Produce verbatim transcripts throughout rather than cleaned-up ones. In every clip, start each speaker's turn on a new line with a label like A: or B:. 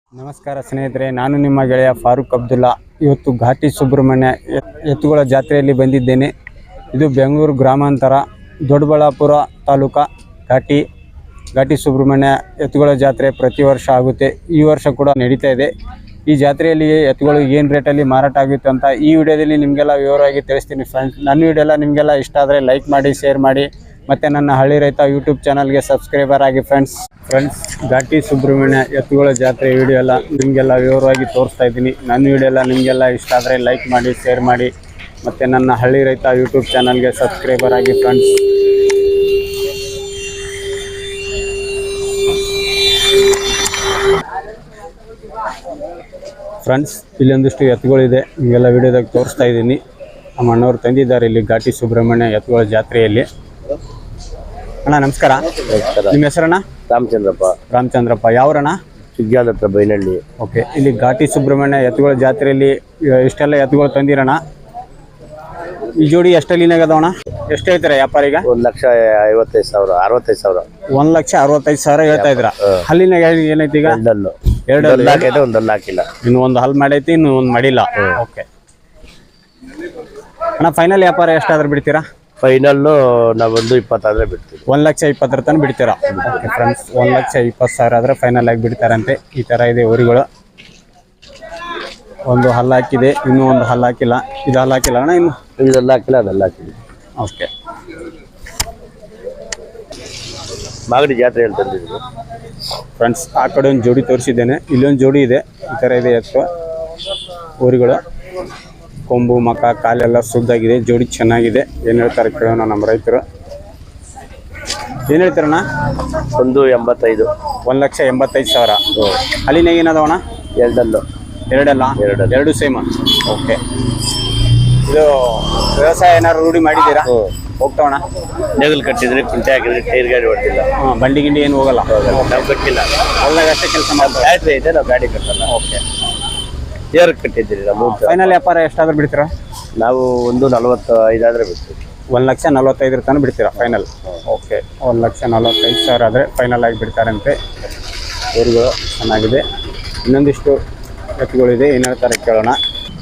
A: ನಮಸ್ಕಾರ ಸ್ನೇಹಿತರೆ, ನಾನು ನಿಮ್ಮ ಗೆಳೆಯ ಫಾರೂಕ್ ಅಬ್ದುಲ್ಲಾ. ಇವತ್ತು ಘಾಟಿ ಸುಬ್ರಹ್ಮಣ್ಯ ಎತ್ತುಗಳ ಜಾತ್ರೆಯಲ್ಲಿ ಬಂದಿದ್ದೇನೆ. ಇದು ಬೆಂಗಳೂರು ಗ್ರಾಮಾಂತರ ದೊಡ್ಡಬಳ್ಳಾಪುರ ತಾಲೂಕು ಘಾಟಿ ಘಾಟಿ ಸುಬ್ರಹ್ಮಣ್ಯ ಎತ್ತುಗಳ ಜಾತ್ರೆ ಪ್ರತಿ ವರ್ಷ ಆಗುತ್ತೆ. ಈ ವರ್ಷ ಕೂಡ ನಡೀತಾ ಇದೆ. ಈ ಜಾತ್ರೆಯಲ್ಲಿ ಎತ್ತುಗಳು ಏನು ರೇಟಲ್ಲಿ ಮಾರಾಟ ಆಗುತ್ತೆ ಅಂತ ಈ ವಿಡಿಯೋದಲ್ಲಿ ನಿಮಗೆಲ್ಲ ವಿವರವಾಗಿ ತಿಳಿಸ್ತೀನಿ ಫ್ರೆಂಡ್ಸ್. ನನ್ನ ವಿಡಿಯೋ ಎಲ್ಲ ನಿಮಗೆಲ್ಲ ಇಷ್ಟ ಆದರೆ ಲೈಕ್ ಮಾಡಿ, ಶೇರ್ ಮಾಡಿ, ಮತ್ತು ನನ್ನ ಹಳ್ಳಿ ರೈತ ಯೂಟ್ಯೂಬ್ ಚಾನಲ್ಗೆ ಸಬ್ಸ್ಕ್ರೈಬರ್ ಆಗಿ ಫ್ರೆಂಡ್ಸ್. ಫ್ರೆಂಡ್ಸ್ ಘಾಟಿ ಸುಬ್ರಹ್ಮಣ್ಯ ಎತ್ತುಗಳ ಜಾತ್ರೆ ವಿಡಿಯೋ ಎಲ್ಲ ನಿಮಗೆಲ್ಲ ವಿವರವಾಗಿ ತೋರಿಸ್ತಾ ಇದ್ದೀನಿ. ನನ್ನ ವಿಡಿಯೋ ಎಲ್ಲ ನಿಮಗೆಲ್ಲ ಇಷ್ಟ ಆದರೆ ಲೈಕ್ ಮಾಡಿ, ಶೇರ್ ಮಾಡಿ, ಮತ್ತು ನನ್ನ ಹಳ್ಳಿ ರೈತ ಯೂಟ್ಯೂಬ್ ಚಾನಲ್ಗೆ ಸಬ್ಸ್ಕ್ರೈಬರ್ ಆಗಿ ಫ್ರೆಂಡ್ಸ್. ಫ್ರೆಂಡ್ಸ್ ಇಲ್ಲೊಂದಿಷ್ಟು ಎತ್ತುಗಳಿದೆ, ನಿಮಗೆಲ್ಲ ವಿಡಿಯೋದಾಗ ತೋರಿಸ್ತಾ ಇದ್ದೀನಿ. ನಮ್ಮ ಅಣ್ಣವ್ರು ತಂದಿದ್ದಾರೆ ಇಲ್ಲಿ ಘಾಟಿ ಸುಬ್ರಹ್ಮಣ್ಯ ಎತ್ತುಗಳ ಜಾತ್ರೆಯಲ್ಲಿ. ಅಣ್ಣ ನಮಸ್ಕಾರ. ನಿಮ್ಮ ಹೆಸರಣ್ಣ?
B: ರಾಮಚಂದ್ರಪ್ಪ.
A: ರಾಮಚಂದ್ರಪ್ಪ. ಯಾವ್ರಣ್ಣ?
B: ಸುಗ್ಗ್ಯಾದ ಹತ್ರ ಬೈನಹಳ್ಳಿ.
A: ಓಕೆ. ಇಲ್ಲಿ ಘಾಟಿ ಸುಬ್ರಹ್ಮಣ್ಯ ಎತ್ತುಗಳ ಜಾತ್ರೆಯಲ್ಲಿ ಇಷ್ಟೆಲ್ಲ ಎತ್ತುಗಳು ತಂದಿರಣ್ಣ. ಈ ಜೋಡಿ ಎಷ್ಟಲ್ಲಿನಾಗ ಅದಾವಣ್ಣ? ಎಷ್ಟು ಹೇಳ್ತೀರಾ ವ್ಯಾಪಾರಿಗ?
B: ಒಂದ್ ಲಕ್ಷ ಐವತ್ತೈದು ಸಾವಿರ ಅರವತ್ತೈದು ಸಾವಿರ
A: ಒಂದ್ ಲಕ್ಷ ಅರವತ್ತೈದು ಸಾವಿರ ಹೇಳ್ತಾ ಇದ್ರ. ಹಲ್ಲಿನಾಗ ಏನೈತಿ ಈಗ?
B: ಎರಡಲ್ಲು
A: ಎರಡು
B: ಹಾಕೈತೆ, ಒಂದಲ್ಲ ಹಾಕಿಲ್ಲ.
A: ಇನ್ನು ಒಂದು ಹಲ್ ಮಾಡೈತಿ, ಇನ್ನು ಒಂದು ಮಾಡಿಲ್ಲ. ಓಕೆ ಅಣ್ಣ, ಫೈನಲ್ ವ್ಯಾಪಾರ ಎಷ್ಟಾದ್ರೂ ಬಿಡ್ತೀರಾ?
B: ಫೈನಲ್ಲು ನಾವೊಂದು ಇಪ್ಪತ್ತಾದ್ರೆ ಬಿಡ್ತೀವಿ.
A: ಒಂದ್ ಲಕ್ಷ ಇಪ್ಪತ್ತರ ತನಕ ಬಿಡ್ತೀರಾ? ಓಕೆ ಫ್ರೆಂಡ್ಸ್, ಒಂದ್ ಲಕ್ಷ ಇಪ್ಪತ್ತು ಸಾವಿರ ಆದ್ರೆ ಫೈನಲ್ ಆಗಿ ಬಿಡ್ತಾರಂತೆ. ಈ ತರ ಇದೆ ಊರುಗಳು. ಒಂದು ಹಲ್ಲು ಹಾಕಿದೆ, ಇನ್ನೂ ಒಂದು ಹಲ್ಲು ಹಾಕಿಲ್ಲ. ಇದು ಹಲ್ಲು ಹಾಕಿಲ್ಲ ಅಣ್ಣ ಇನ್ನು?
B: ಇದೆಲ್ಲ ಹಾಕಿಲ್ಲ, ಅದೆಲ್ಲ ಹಾಕಿಲ್ಲ.
A: ಓಕೆ.
B: ಮಾಗಡಿ ಜಾತ್ರೆ ಅಂತ ತಂದಿದ್ರು
A: ಫ್ರೆಂಡ್ಸ್. ಆ ಕಡೆ ಒಂದು ಜೋಡಿ ತೋರಿಸಿದ್ದೇನೆ, ಇಲ್ಲೊಂದು ಜೋಡಿ ಇದೆ. ಈ ಥರ ಇದೆ ಎತ್ತು ಊರುಗಳು. ಕೊಂಬು ಮಕ ಕಾಲೆಲ್ಲ ಸುದ್ದಾಗಿದೆ, ಜೋಡಿ ಚೆನ್ನಾಗಿದೆ. ಏನು ಹೇಳ್ತಾರೆ ಕೇಳೋಣ ನಮ್ಮ ರೈತರು. ಏನು ಹೇಳ್ತಾರಣ್ಣ?
B: ಒಂದು ಎಂಬತ್ತೈದು.
A: ಒಂದು ಲಕ್ಷ ಎಂಬತ್ತೈದು ಸಾವಿರ. ಅಲ್ಲಿನಾಗ ಏನದವಣ್ಣ?
B: ಎರಡಲ್ಲು.
A: ಎರಡಲ್ಲ?
B: ಎರಡು
A: ಎರಡು ಸೇಮ್. ಓಕೆ. ಇದು ವ್ಯವಸಾಯ ಏನಾದ್ರು ರೂಢಿ ಮಾಡಿದ್ದೀರಾ? ಹೋಗ್ತಾವಣ್ಣ?
B: ನೇಗಲ್ ಕಟ್ಟಿದ್ರೆ, ಕುಂಟೆ ಹಾಕಿದ್ರೆ, ಟೈರ್ ಗಾಡಿ ಹೊಡ್ತಿಲ್ಲ.
A: ಹಾಂ, ಬಂಡಿ ಗಿಂಡಿ ಏನು ಹೋಗಲ್ಲ?
B: ನಾವು ಕಟ್ಟಿಲ್ಲ.
A: ಹೊಲ್ದಾಗ ಅಷ್ಟೇ ಕೆಲಸ ಮಾಡ್ತಾರೆ.
B: ಬ್ಯಾಟ್ರಿ ಐತೆ, ನಾವು ಗಾಡಿ ಕಟ್ಟಲ್ಲ.
A: ಓಕೆ.
B: ಏರ್ ಕಟ್ಟಿದ್ದೀರಿ ನಮ್ಮ.
A: ಫೈನಲ್ ವ್ಯಾಪಾರ ಎಷ್ಟಾದ್ರೂ ಬಿಡ್ತೀರಾ?
B: ನಾವು ಒಂದು ನಲವತ್ತು ಐದಾದ್ರೆ ಬಿಡ್ತೀವಿ.
A: ಒಂದು ಲಕ್ಷ ನಲ್ವತ್ತೈದರ ತನಕ ಬಿಡ್ತೀರಾ ಫೈನಲ್? ಓಕೆ. ಒಂದು ಲಕ್ಷ ನಲ್ವತ್ತೈದು ಸಾವಿರ ಆದರೆ ಫೈನಲ್ ಆಗಿ ಬಿಡ್ತಾರಂತೆ. ಊರುಗಳು ಚೆನ್ನಾಗಿದೆ. ಇನ್ನೊಂದಿಷ್ಟು ಎತ್ತುಗಳಿದೆ, ಏನು ಹೇಳ್ತಾರೆ ಕೇಳೋಣ.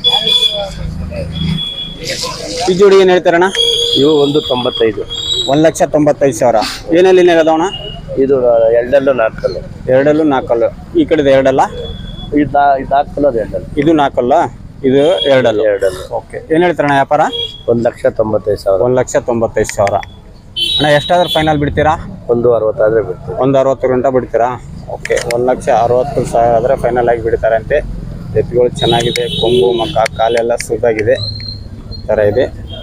A: ಈ ಜೋಡಿ ಏನು ಹೇಳ್ತಾರಣ್ಣ?
B: ಇವು ಒಂದು ತೊಂಬತ್ತೈದು.
A: ಒಂದು ಲಕ್ಷ ತೊಂಬತ್ತೈದು ಸಾವಿರ. ಏನಲ್ಲಿ ಅದಾವಣ್ಣ?
B: ಇದು ಎರಡಲ್ಲೂ ನಾಲ್ಕಲ್ಲು.
A: ಎರಡಲ್ಲೂ ನಾಲ್ಕಲ್ಲು. ಈ ಕಡೆದು ಎರಡಲ್ಲ?
B: ಇದು ಇದು ನಾಲ್ಕಲ್ಲು, ಅದು ಎರಡಲ್ಲು.
A: ಇದು ನಾಲ್ಕಲ್ಲ, ಇದು ಎರಡಲ್ಲು.
B: ಎರಡಲ್ಲು.
A: ಓಕೆ. ಏನು ಹೇಳ್ತಾರಣ್ಣ ವ್ಯಾಪಾರ?
B: ಒಂದು ಲಕ್ಷ ತೊಂಬತ್ತೈದು ಸಾವಿರ.
A: ಒಂದು ಲಕ್ಷ ತೊಂಬತ್ತೈದು ಸಾವಿರ. ಅಣ್ಣ ಎಷ್ಟಾದ್ರೂ ಫೈನಲ್ ಬಿಡ್ತೀರಾ?
B: ಒಂದು ಅರವತ್ತಾದ್ರೆ ಬಿಡ್ತೀವಿ.
A: ಒಂದು ಅರವತ್ತು ಗಂಟೆ ಬಿಡ್ತೀರಾ? ಓಕೆ. ಒಂದು ಲಕ್ಷ ಅರವತ್ತು ಸಾವಿರ ಆದರೆ ಫೈನಲ್ ಆಗಿ ಬಿಡ್ತಾರಂತೆ. ಎತ್ತುಗಳು ಚೆನ್ನಾಗಿದೆ, ಕೊಂಬು ಮಕ್ಕ ಕಾಲೆಲ್ಲ ಸುದ್ದಾಗಿದೆ. ಈ ಥರ ಇದೆ.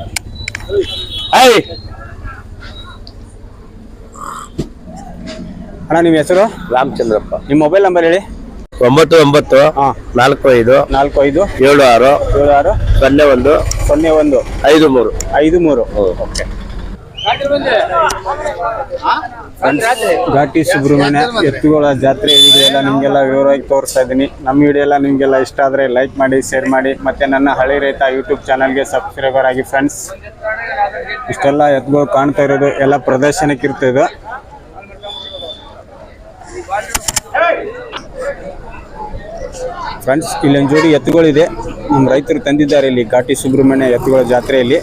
A: ಅಣ್ಣ ನಿಮ್ಮ ಹೆಸರು?
B: ರಾಮಚಂದ್ರಪ್ಪ.
A: ನಿಮ್ಮ ಮೊಬೈಲ್ ನಂಬರ್ ಹೇಳಿ.
B: ಒಂಬತ್ತು ಒಂಬತ್ತು
A: ಹಾಂ
B: ನಾಲ್ಕು ಐದು
A: ನಾಲ್ಕು ಐದು
B: ಏಳು ಆರು
A: ಏಳು ಆರು
B: ಸೊನ್ನೆ ಒಂದು
A: ಸೊನ್ನೆ ಒಂದು
B: ಐದು ಮೂರು
A: ಐದು ಮೂರು. ಓಕೆ. ಘಾಟಿ ಸುಬ್ರಹ್ಮಣ್ಯ ಎತ್ತುಗಳ ಜಾತ್ರೆ ವಿಡಿಯೋ ಎಲ್ಲ ನಿಮಗೆಲ್ಲ ವಿವರವಾಗಿ ತೋರಿಸ್ತಾ ಇದ್ದೀನಿ. ನಮ್ಮ ವಿಡಿಯೋ ಎಲ್ಲ ನಿಮಗೆಲ್ಲ ಇಷ್ಟ ಆದರೆ ಲೈಕ್ ಮಾಡಿ, ಶೇರ್ ಮಾಡಿ, ಮತ್ತು ನನ್ನ ಹಳ್ಳಿ ರೈತ ಯೂಟ್ಯೂಬ್ ಚಾನಲ್ಗೆ ಸಬ್ಸ್ಕ್ರೈಬರ್ ಆಗಿ ಫ್ರೆಂಡ್ಸ್. ಇಷ್ಟೆಲ್ಲ ಎತ್ತುಗಳು ಕಾಣ್ತಾ ಇರೋದು ಎಲ್ಲ ಪ್ರದರ್ಶನಕ್ಕೆ ಇರ್ತದೆ. ಫ್ರೆಂಡ್ಸ್ ಇಲ್ಲೊಂದು ಜೋಡಿ ಎತ್ತುಗಳಿದೆ, ನಮ್ಮ ರೈತರು ತಂದಿದ್ದಾರೆ ಇಲ್ಲಿ ಘಾಟಿ ಸುಬ್ರಹ್ಮಣ್ಯ ಎತ್ತುಗಳ ಜಾತ್ರೆಯಲ್ಲಿ.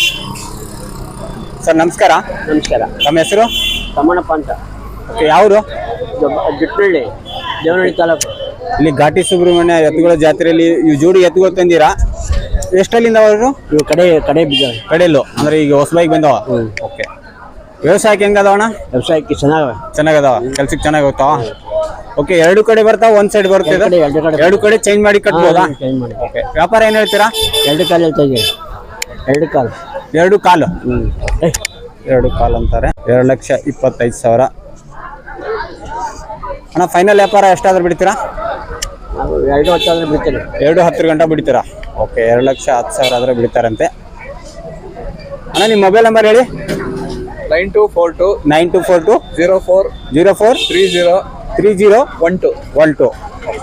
A: ಸರ್ ನಮಸ್ಕಾರ.
B: ನಮಸ್ಕಾರ.
A: ನಮ್ಮ ಹೆಸರು?
B: ತಮ್ಮಣ್ಣಪ್ಪ ಅಂತ.
A: ಓಕೆ. ಯಾವುದು?
B: ಜಿಟ್ಟಳ್ಳಿ, ದೇವನಹಳ್ಳಿ ತಾಲೂಕು.
A: ಇಲ್ಲಿ ಘಾಟಿ ಸುಬ್ರಹ್ಮಣ್ಯ ಎತ್ತುಗಳ ಜಾತ್ರೆಯಲ್ಲಿ ಈ ಜೋಡಿ ಎತ್ತುಗಳು ತಂದಿರಾ? ಎಷ್ಟಲ್ಲಿಂದ ಅವರು?
B: ಇವು ಕಡೆ ಕಡೆ ಬಿದ್ದ
A: ಕಡೆಯಲ್ಲೂ ಅಂದರೆ ಈಗ ಹೊಸಬಾಗಿ ಬಂದವ? ಓಕೆ. ವ್ಯವಸಾಯಕ್ಕೆ ಹೆಂಗೆ ಅದಾವಣ್ಣ?
B: ವ್ಯವಸಾಯಕ್ಕೆ ಚೆನ್ನಾಗ
A: ಚೆನ್ನಾಗದಾವ, ಕೆಲ್ಸಕ್ಕೆ ಚೆನ್ನಾಗಿ ಹೋಗ್ತಾವ? ಓಕೆ. ಎರಡು ಕಡೆ ಬರ್ತಾವ, ಒಂದ್ ಸೈಡ್ ಬರುತ್ತೆ? ಎರಡು ಕಡೆ ಚೇಂಜ್ ಮಾಡಿ ಕಟ್ಬೋದಾ? ಓಕೆ. ವ್ಯಾಪಾರ ಏನು ಹೇಳ್ತೀರಾ?
B: ಎರಡು ಕಾಲು ಹೇಳ್ತಾ ಇದ್ದೀವಿ. ಎರಡು ಕಾಲು.
A: ಎರಡು ಕಾಲು. ಎರಡು ಕಾಲು ಅಂತಾರೆ. ಎರಡು ಲಕ್ಷ ಇಪ್ಪತ್ತೈದು ಸಾವಿರ. ಅಣ್ಣ ಫೈನಲ್ ವ್ಯಾಪಾರ ಎಷ್ಟಾದ್ರೂ ಬಿಡ್ತೀರಾ?
B: ಎರಡು ಹತ್ತಾದ್ರೆ ಬಿಡ್ತೀರಿ.
A: ಎರಡು ಹತ್ತು ಗಂಟೆ ಬಿಡ್ತೀರಾ? ಓಕೆ. ಎರಡು ಲಕ್ಷ ಹತ್ತು ಸಾವಿರ ಆದರೆ ಬಿಡ್ತಾರಂತೆ. ಅಣ್ಣ ನಿಮ್ಮ ಮೊಬೈಲ್ ನಂಬರ್ ಹೇಳಿ.
C: Nine two four two
A: nine two four two
C: zero four
A: zero four
C: three zero
A: three zero
C: one two
A: one two.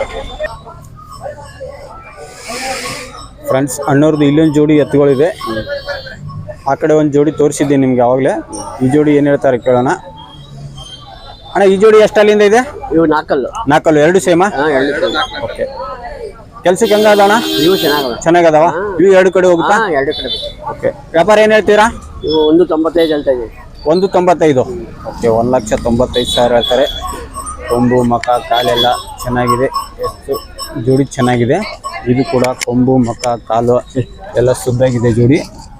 A: Friends ಅಣ್ಣವ್ರದ್ದು ಇಲ್ಲೊಂದು ಜೋಡಿ ಎತ್ತುಗಳಿದೆ. ಆ ಕಡೆ ಒಂದು ಜೋಡಿ ತೋರಿಸಿದ್ದೆ ನಿಮ್ಗೆ ಆವಾಗಲೇ. ಈ ಜೋಡಿ ಏನು ಹೇಳ್ತಾರೆ ಕೇಳೋಣ. ಅಣ್ಣ ಈ ಜೋಡಿ ಎಷ್ಟು ಅಲ್ಲಿಂದ ಇದೆ?
B: ಇವು ನಾಲ್ಕಲ್ಲು.
A: ನಾಲ್ಕಲ್ಲು ಎರಡು ಸೇಮಾ?
B: ಹಾಂ ಎರಡು ಕಡೆ.
A: ಓಕೆ. ಕೆಲ್ಸಕ್ಕೆ ಹೆಂಗದಣ್ಣ?
B: ಇವು ಚೆನ್ನಾಗವ.
A: ಚೆನ್ನಾಗದವ? ಇವು ಎರಡು ಕಡೆ ಹೋಗುತ್ತಾ?
B: ಹಾಂ ಎರಡು ಕಡೆ.
A: ಓಕೆ. ವ್ಯಾಪಾರ ಏನು ಹೇಳ್ತೀರಾ?
B: ಇವು ಒಂದು ತೊಂಬತ್ತೈದು ಹೇಳ್ತಾ ಇದ್ದೀವಿ.
A: ಒಂದು ತೊಂಬತ್ತೈದು. ಓಕೆ. ಒಂದು ಲಕ್ಷ ತೊಂಬತ್ತೈದು ಸಾವಿರ ಹೇಳ್ತಾರೆ. ಕೊಂಬು ಮಕ ಕಾಲೆಲ್ಲ ಚೆನ್ನಾಗಿದೆ, ಎಷ್ಟು ಜೋಡಿ ಚೆನ್ನಾಗಿದೆ. ಇದು ಕೂಡ ಕೊಂಬು ಮಕ ಕಾಲು ಎಲ್ಲ ಶುದ್ಧಾಗಿದೆ ಜೋಡಿ.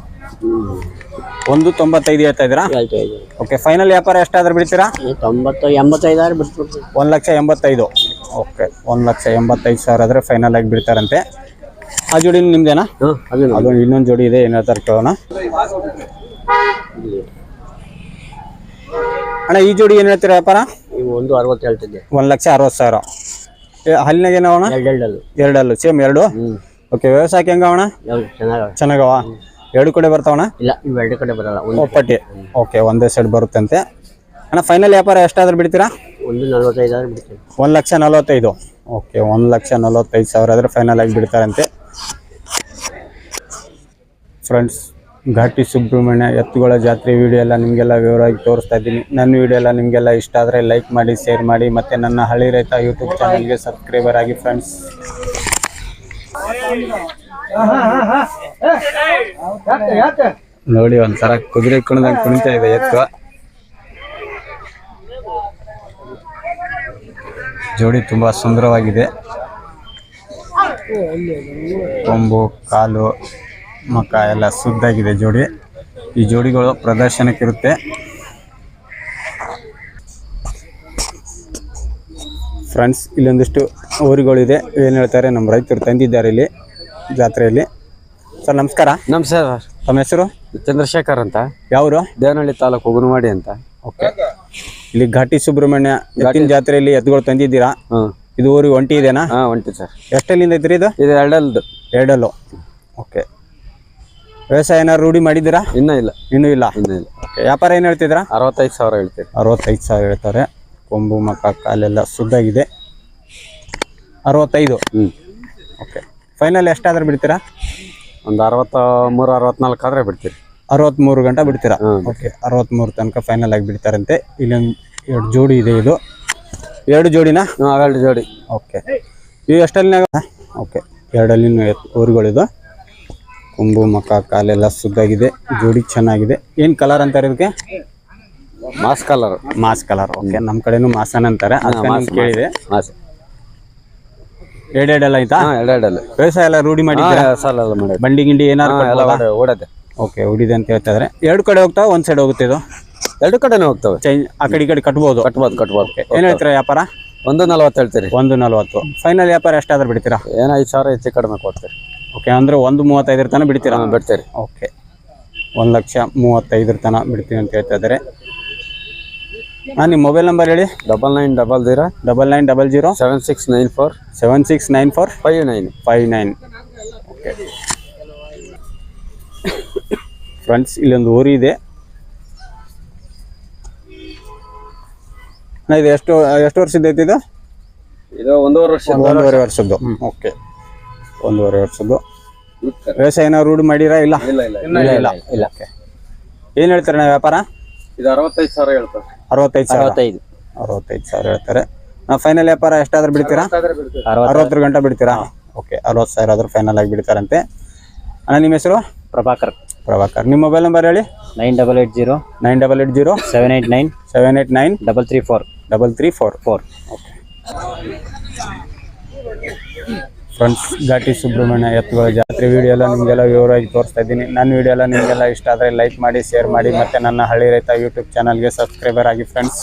A: ಒಂದು ತೊಂಬತ್ತೈದು ಹೇಳ್ತಾ ಇದ್ದೀರಾ?
B: ಹೇಳ್ತಾ ಇದ್ದೀವಿ.
A: ಓಕೆ. ಫೈನಲ್ ವ್ಯಾಪಾರ ಎಷ್ಟಾದ್ರೂ ಬಿಡ್ತೀರಾ?
B: ತೊಂಬತ್ತು ಎಂಬತ್ತೈದಾರು ಬಿಡ್ತೀವಿ.
A: ಒಂದು ಲಕ್ಷ ಎಂಬತ್ತೈದು. ಓಕೆ. ಒಂದು ಲಕ್ಷ ಎಂಬತ್ತೈದು ಸಾವಿರ ಆದರೆ ಫೈನಲ್ ಆಗಿ ಬಿಡ್ತಾರಂತೆ. ಆ ಜೋಡಿ ನಿಮ್ದೇನಾ?
B: ಹಾಂ ಅದು
A: ಅದು ಇನ್ನೊಂದು ಜೋಡಿ ಇದೆ, ಏನು ಹೇಳ್ತಾರೆ ಕೇಳೋಣ. ಅಣ್ಣ ಈ ಜೋಡಿ ಏನು ಹೇಳ್ತೀರಾ ವ್ಯಾಪಾರ?
B: ಇವು ಒಂದು ಅರವತ್ತು ಹೇಳ್ತಿದ್ದೆ.
A: ಒಂದು ಲಕ್ಷ ಅರವತ್ತು ಸಾವಿರ. ಹಲ್ಲಿನಾಗ ಏನವಣ?
B: ಎರಡು ಎರಡಲ್ಲು.
A: ಎರಡಲ್ಲು ಸೇಮ್ ಎರಡು.
B: ಹ್ಞೂ.
A: ಓಕೆ. ವ್ಯವಸಾಯಕ್ಕೆ ಹೆಂಗವಣ?
B: ಯಾವ್ದು ಚೆನ್ನಾಗವ?
A: ಚೆನ್ನಾಗವ? ಎರಡು ಕಡೆ ಬರ್ತಾವಣ?
B: ಇಲ್ಲ ಇವು ಎರಡು ಕಡೆ ಬರಲ್ಲ. ಒಂದು
A: ಒಪ್ಪಟ್ಟಿ. ಓಕೆ. ಒಂದೇ ಸೈಡ್ ಬರುತ್ತಂತೆ. ಅಣ್ಣ ಫೈನಲ್ ವ್ಯಾಪಾರ ಎಷ್ಟಾದ್ರೂ ಬಿಡ್ತೀರಾ?
B: ಒಂದು ನಲ್ವತ್ತೈದಾರು ಬಿಡ್ತೀವಿ.
A: ಒಂದು ಲಕ್ಷ ನಲ್ವತ್ತೈದು. ಓಕೆ. ಒಂದು ಲಕ್ಷ ನಲ್ವತ್ತೈದು ಸಾವಿರ ಆದರೆ ಫೈನಲ್ ಆಗಿ ಬಿಡ್ತಾರಂತೆ. ಫ್ರೆಂಡ್ಸ್, ಘಾಟಿ ಸುಬ್ರಹ್ಮಣ್ಯ ಎತ್ತುಗಳ ಜಾತ್ರೆ ವಿಡಿಯೋ ಎಲ್ಲ ನಿಮಗೆಲ್ಲ ವಿವರವಾಗಿ ತೋರಿಸ್ತಾ ಇದ್ದೀನಿ. ನನ್ನ ವಿಡಿಯೋ ಎಲ್ಲ ನಿಮಗೆಲ್ಲ ಇಷ್ಟ ಆದರೆ ಲೈಕ್ ಮಾಡಿ, ಶೇರ್ ಮಾಡಿ, ಮತ್ತು ನನ್ನ ಹಳ್ಳಿ ರೈತ ಯೂಟ್ಯೂಬ್ ಚಾನಲ್ಗೆ ಸಬ್ಸ್ಕ್ರೈಬರ್ ಆಗಿ ಫ್ರೆಂಡ್ಸ್. ನೋಡಿ ಒಂಥರ ಕುದುರೆ ಕುಣಿದಂಗೆ ಕುಣಿತಾ ಇದೆ ಎತ್ತು. ಜೋಡಿ ತುಂಬ ಸುಂದರವಾಗಿದೆ. ಕೊಂಬು ಕಾಲು ಮಕ ಎಲ್ಲ ಶುದ್ಧಾಗಿದೆ ಜೋಡಿ. ಈ ಜೋಡಿಗಳು ಪ್ರದರ್ಶನಕ್ಕಿರುತ್ತೆ. ಫ್ರೆಂಡ್ಸ್, ಇಲ್ಲೊಂದಿಷ್ಟು ಊರುಗಳಿದೆ. ಏನು ಹೇಳ್ತಾರೆ ನಮ್ಮ ರೈತರು ತಂದಿದ್ದಾರೆ ಇಲ್ಲಿ ಜಾತ್ರೆಯಲ್ಲಿ. ಸರ್ ನಮಸ್ಕಾರ.
D: ನಮಸ್ಕಾರ.
A: ತಮ್ಮ ಹೆಸರು?
D: ಚಂದ್ರಶೇಖರ್ ಅಂತ.
A: ಯಾವರು?
D: ದೇವನಹಳ್ಳಿ ತಾಲೂಕು ಉಗುನವಾಡಿ ಅಂತ.
A: ಓಕೆ. ಇಲ್ಲಿ ಘಾಟಿ ಸುಬ್ರಹ್ಮಣ್ಯ ಎತ್ತಿನ ಜಾತ್ರೆಯಲ್ಲಿ ಎತ್ತುಗಳು ತಂದಿದ್ದೀರಾ?
D: ಹ್ಮ್.
A: ಇದು ಊರಿಗೆ ಒಂಟಿ ಇದೆನಾ?
D: ಹಾಂ ಒಂಟಿ ಸರ್.
A: ಎಷ್ಟಲ್ಲಿಂದ ಐತ್ರಿ ಇದು?
D: ಇದು ಎರಡಲ್ದು.
A: ಎರಡಲ್ಲು. ಓಕೆ. ವ್ಯವಸಾಯ ಏನಾದ್ರು ರೂಢಿ ಮಾಡಿದ್ದೀರಾ?
D: ಇನ್ನೂ ಇಲ್ಲ.
A: ಇನ್ನೂ ಇಲ್ಲ.
D: ಇನ್ನೂ ಇಲ್ಲ.
A: ಓಕೆ. ವ್ಯಾಪಾರ ಏನು ಹೇಳ್ತಿದ್ದೀರಾ?
D: ಅರವತ್ತೈದು ಸಾವಿರ ಹೇಳ್ತೀರಿ.
A: ಅರವತ್ತೈದು ಸಾವಿರ ಹೇಳ್ತಾರೆ. ಕೊಂಬು ಮಕ ಕಾಲೆಲ್ಲ ಶುದ್ಧಾಗಿದೆ. ಅರವತ್ತೈದು.
D: ಹ್ಞೂ.
A: ಓಕೆ. ಫೈನಲ್ ಎಷ್ಟಾದ್ರೂ ಬಿಡ್ತೀರಾ?
D: ಒಂದು ಅರವತ್ತ ಮೂರು ಅರವತ್ನಾಲ್ಕು ಆದರೆ ಬಿಡ್ತೀರಿ.
A: ಅರವತ್ತ್ಮೂರು ಗಂಟೆ ಬಿಡ್ತೀರಾ?
D: ಹ್ಮ್.
A: ಓಕೆ. ಅರವತ್ತ್ಮೂರು ತನಕ ಫೈನಲ್ ಆಗಿ ಬಿಡ್ತಾರಂತೆ. ಇಲ್ಲೊಂದು ಎರಡು ಜೋಡಿ ಇದೆ. ಇದು ಎರಡು ಜೋಡಿನಾ?
D: ಹ್ಞೂ ಅವೆರಡು ಜೋಡಿ.
A: ಓಕೆ. ಇವು ಎಷ್ಟಲ್ಲಿನಾಗ? ಓಕೆ. ಎರಡಲ್ಲಿನ ಊರುಗಳಿದು. ಕೊಂಬು ಮಕ ಕಾಲೆಲ್ಲ ಶುದ್ಧಾಗಿದೆ. ಜೋಡಿ ಚೆನ್ನಾಗಿದೆ. ಏನು ಕಲರ್ ಅಂತಾರೆ ಇದಕ್ಕೆ?
D: ಮಾಸ್ ಕಲರ್.
A: ಮಾಸ್ ಕಲರ್. ಓಕೆ. ನಮ್ಮ ಕಡೆನೂ ಮಾಸನ್ ಅಂತಾರೆ. ಅದಕ್ಕೆ ಕೇಳಿದೆ.
D: ಮಾಸ್
A: ಎರಡೆರಡೆಲ್ಲ ಆಯ್ತಾ?
D: ಹಾಂ ಎರಡೆರಡಲ್ಲ.
A: ವ್ಯವಸಾಯ ಎಲ್ಲ ರೂಢಿ ಮಾಡಿದ್ದೀರಾ?
D: ಸಾಲ ಎಲ್ಲ ಮಾಡಿ
A: ಬಂಡಿ ಗಿಂಡಿ ಏನಾರು
D: ಎಲ್ಲ ಓಡದೆ.
A: ಓಕೆ. ಹೊಡಿದೆ ಅಂತ ಹೇಳ್ತಾ ಇದ್ದಾರೆ. ಎರಡು ಕಡೆ ಹೋಗ್ತಾವ, ಒಂದು ಸೈಡ್ ಹೋಗುತ್ತೆ ಇದು?
D: ಎರಡು ಕಡೆನೂ ಹೋಗ್ತವೆ.
A: ಚೇಂಜ್ ಆ ಕಡೆ ಈ ಕಡೆ ಕಟ್ಬೋದು?
D: ಕಟ್ಬೋದು ಕಟ್ಬೋದು.
A: ಏನು ಹೇಳ್ತೀರಾ ವ್ಯಾಪಾರ?
D: ಒಂದು ನಲ್ವತ್ತು ಹೇಳ್ತೀರಿ.
A: ಒಂದು ನಲ್ವತ್ತು. ಫೈನಲ್ ವ್ಯಾಪಾರ ಎಷ್ಟಾದ್ರೂ ಬಿಡ್ತೀರಾ?
D: ಏನೋ ಐದು ಸಾವಿರ ಹೆಚ್ಚು ಕಡಿಮೆ ಕೊಡ್ತೀರಿ.
A: ಓಕೆ. ಅಂದರೆ ಒಂದು ಮೂವತ್ತೈದರ ತನಕ ಬಿಡ್ತೀರಾ?
D: ಹಾಂ ಬಿಡ್ತೀರಿ.
A: ಓಕೆ. ಒಂದು ಲಕ್ಷ ಮೂವತ್ತೈದರ ತನಕ ಬಿಡ್ತೀನಿ ಅಂತ ಹೇಳ್ತಾ ಇದ್ದಾರೆ. ಹಾಂ, ನಿಮ್ಮ ಮೊಬೈಲ್ ನಂಬರ್ ಹೇಳಿ.
D: Double nine double zero
A: double nine double zero
D: seven six nine four
A: seven six nine four
D: five nine
A: five nine. Okay. Friends, ಇಲ್ಲೊಂದು ಊರು ಇದೆ. ಇದು ಎಷ್ಟು ಎಷ್ಟು ವರ್ಷದ ಐತಿ ಇದು?
D: ಇದು ಒಂದೂವರೆ ವರ್ಷ.
A: ಒಂದೂವರೆ ವರ್ಷದ್ದು. ಓಕೆ. ಒಂದೂವರೆ ವರ್ಷದ್ದು. ವ್ಯವಸಾಯ ಏನಾದ್ರು ರೂಢಿ ಮಾಡಿರಾ? ಇಲ್ಲ
D: ಇಲ್ಲ ಇಲ್ಲ
A: ಇಲ್ಲ ಇಲ್ಲ ಇಲ್ಲ. ಓಕೆ. ಏನು ಹೇಳ್ತಾರೆ ನಾ ವ್ಯಾಪಾರ?
D: ಇದು ಅರವತ್ತೈದು ಸಾವಿರ ಹೇಳ್ತಾರೆ.
A: ಅರವತ್ತೈದು ಸಾವಿರ.
B: ಅರವತ್ತೈದು.
A: ಅರವತ್ತೈದು ಸಾವಿರ ಹೇಳ್ತಾರೆ. ನಾವು ಫೈನಲ್ ವ್ಯಾಪಾರ ಎಷ್ಟಾದ್ರೂ ಬಿಡ್ತೀರಾ? ಅರವತ್ತರ ಗಂಟೆ ಬಿಡ್ತೀರಾ? ಓಕೆ. ಅರವತ್ತು ಸಾವಿರ ಆದ್ರೂ ಫೈನಲ್ ಆಗಿ ಬಿಡ್ತಾರಂತೆ. ಅಣ್ಣ ನಿಮ್ಮ ಹೆಸರು?
B: ಪ್ರಭಾಕರ್.
A: ಪ್ರಭಾಕರ್. ನಿಮ್ಮ ಮೊಬೈಲ್ ನಂಬರ್ ಹೇಳಿ.
B: Nine double eight zero
A: nine double eight zero
B: seven eight nine
A: seven eight nine
B: double three four
A: double three four
B: four.
A: Okay. Friends, Ghati Subrahmanya ಎತ್ತುಗಳ ಜಾತ್ರೆ ವಿಡಿಯೋ ಎಲ್ಲ ನಿಮಗೆಲ್ಲ ವಿವರವಾಗಿ ತೋರಿಸ್ತಾ ಇದ್ದೀನಿ. ನನ್ನ ವಿಡಿಯೋ ಎಲ್ಲ ನಿಮಗೆಲ್ಲ ಇಷ್ಟ ಆದರೆ ಲೈಕ್ ಮಾಡಿ, ಶೇರ್ ಮಾಡಿ, ಮತ್ತು ನನ್ನ ಹಳ್ಳಿ ರೈತ ಯೂಟ್ಯೂಬ್ ಚಾನಲ್ಗೆ ಸಬ್ಸ್ಕ್ರೈಬರ್ ಆಗಿ ಫ್ರೆಂಡ್ಸ್.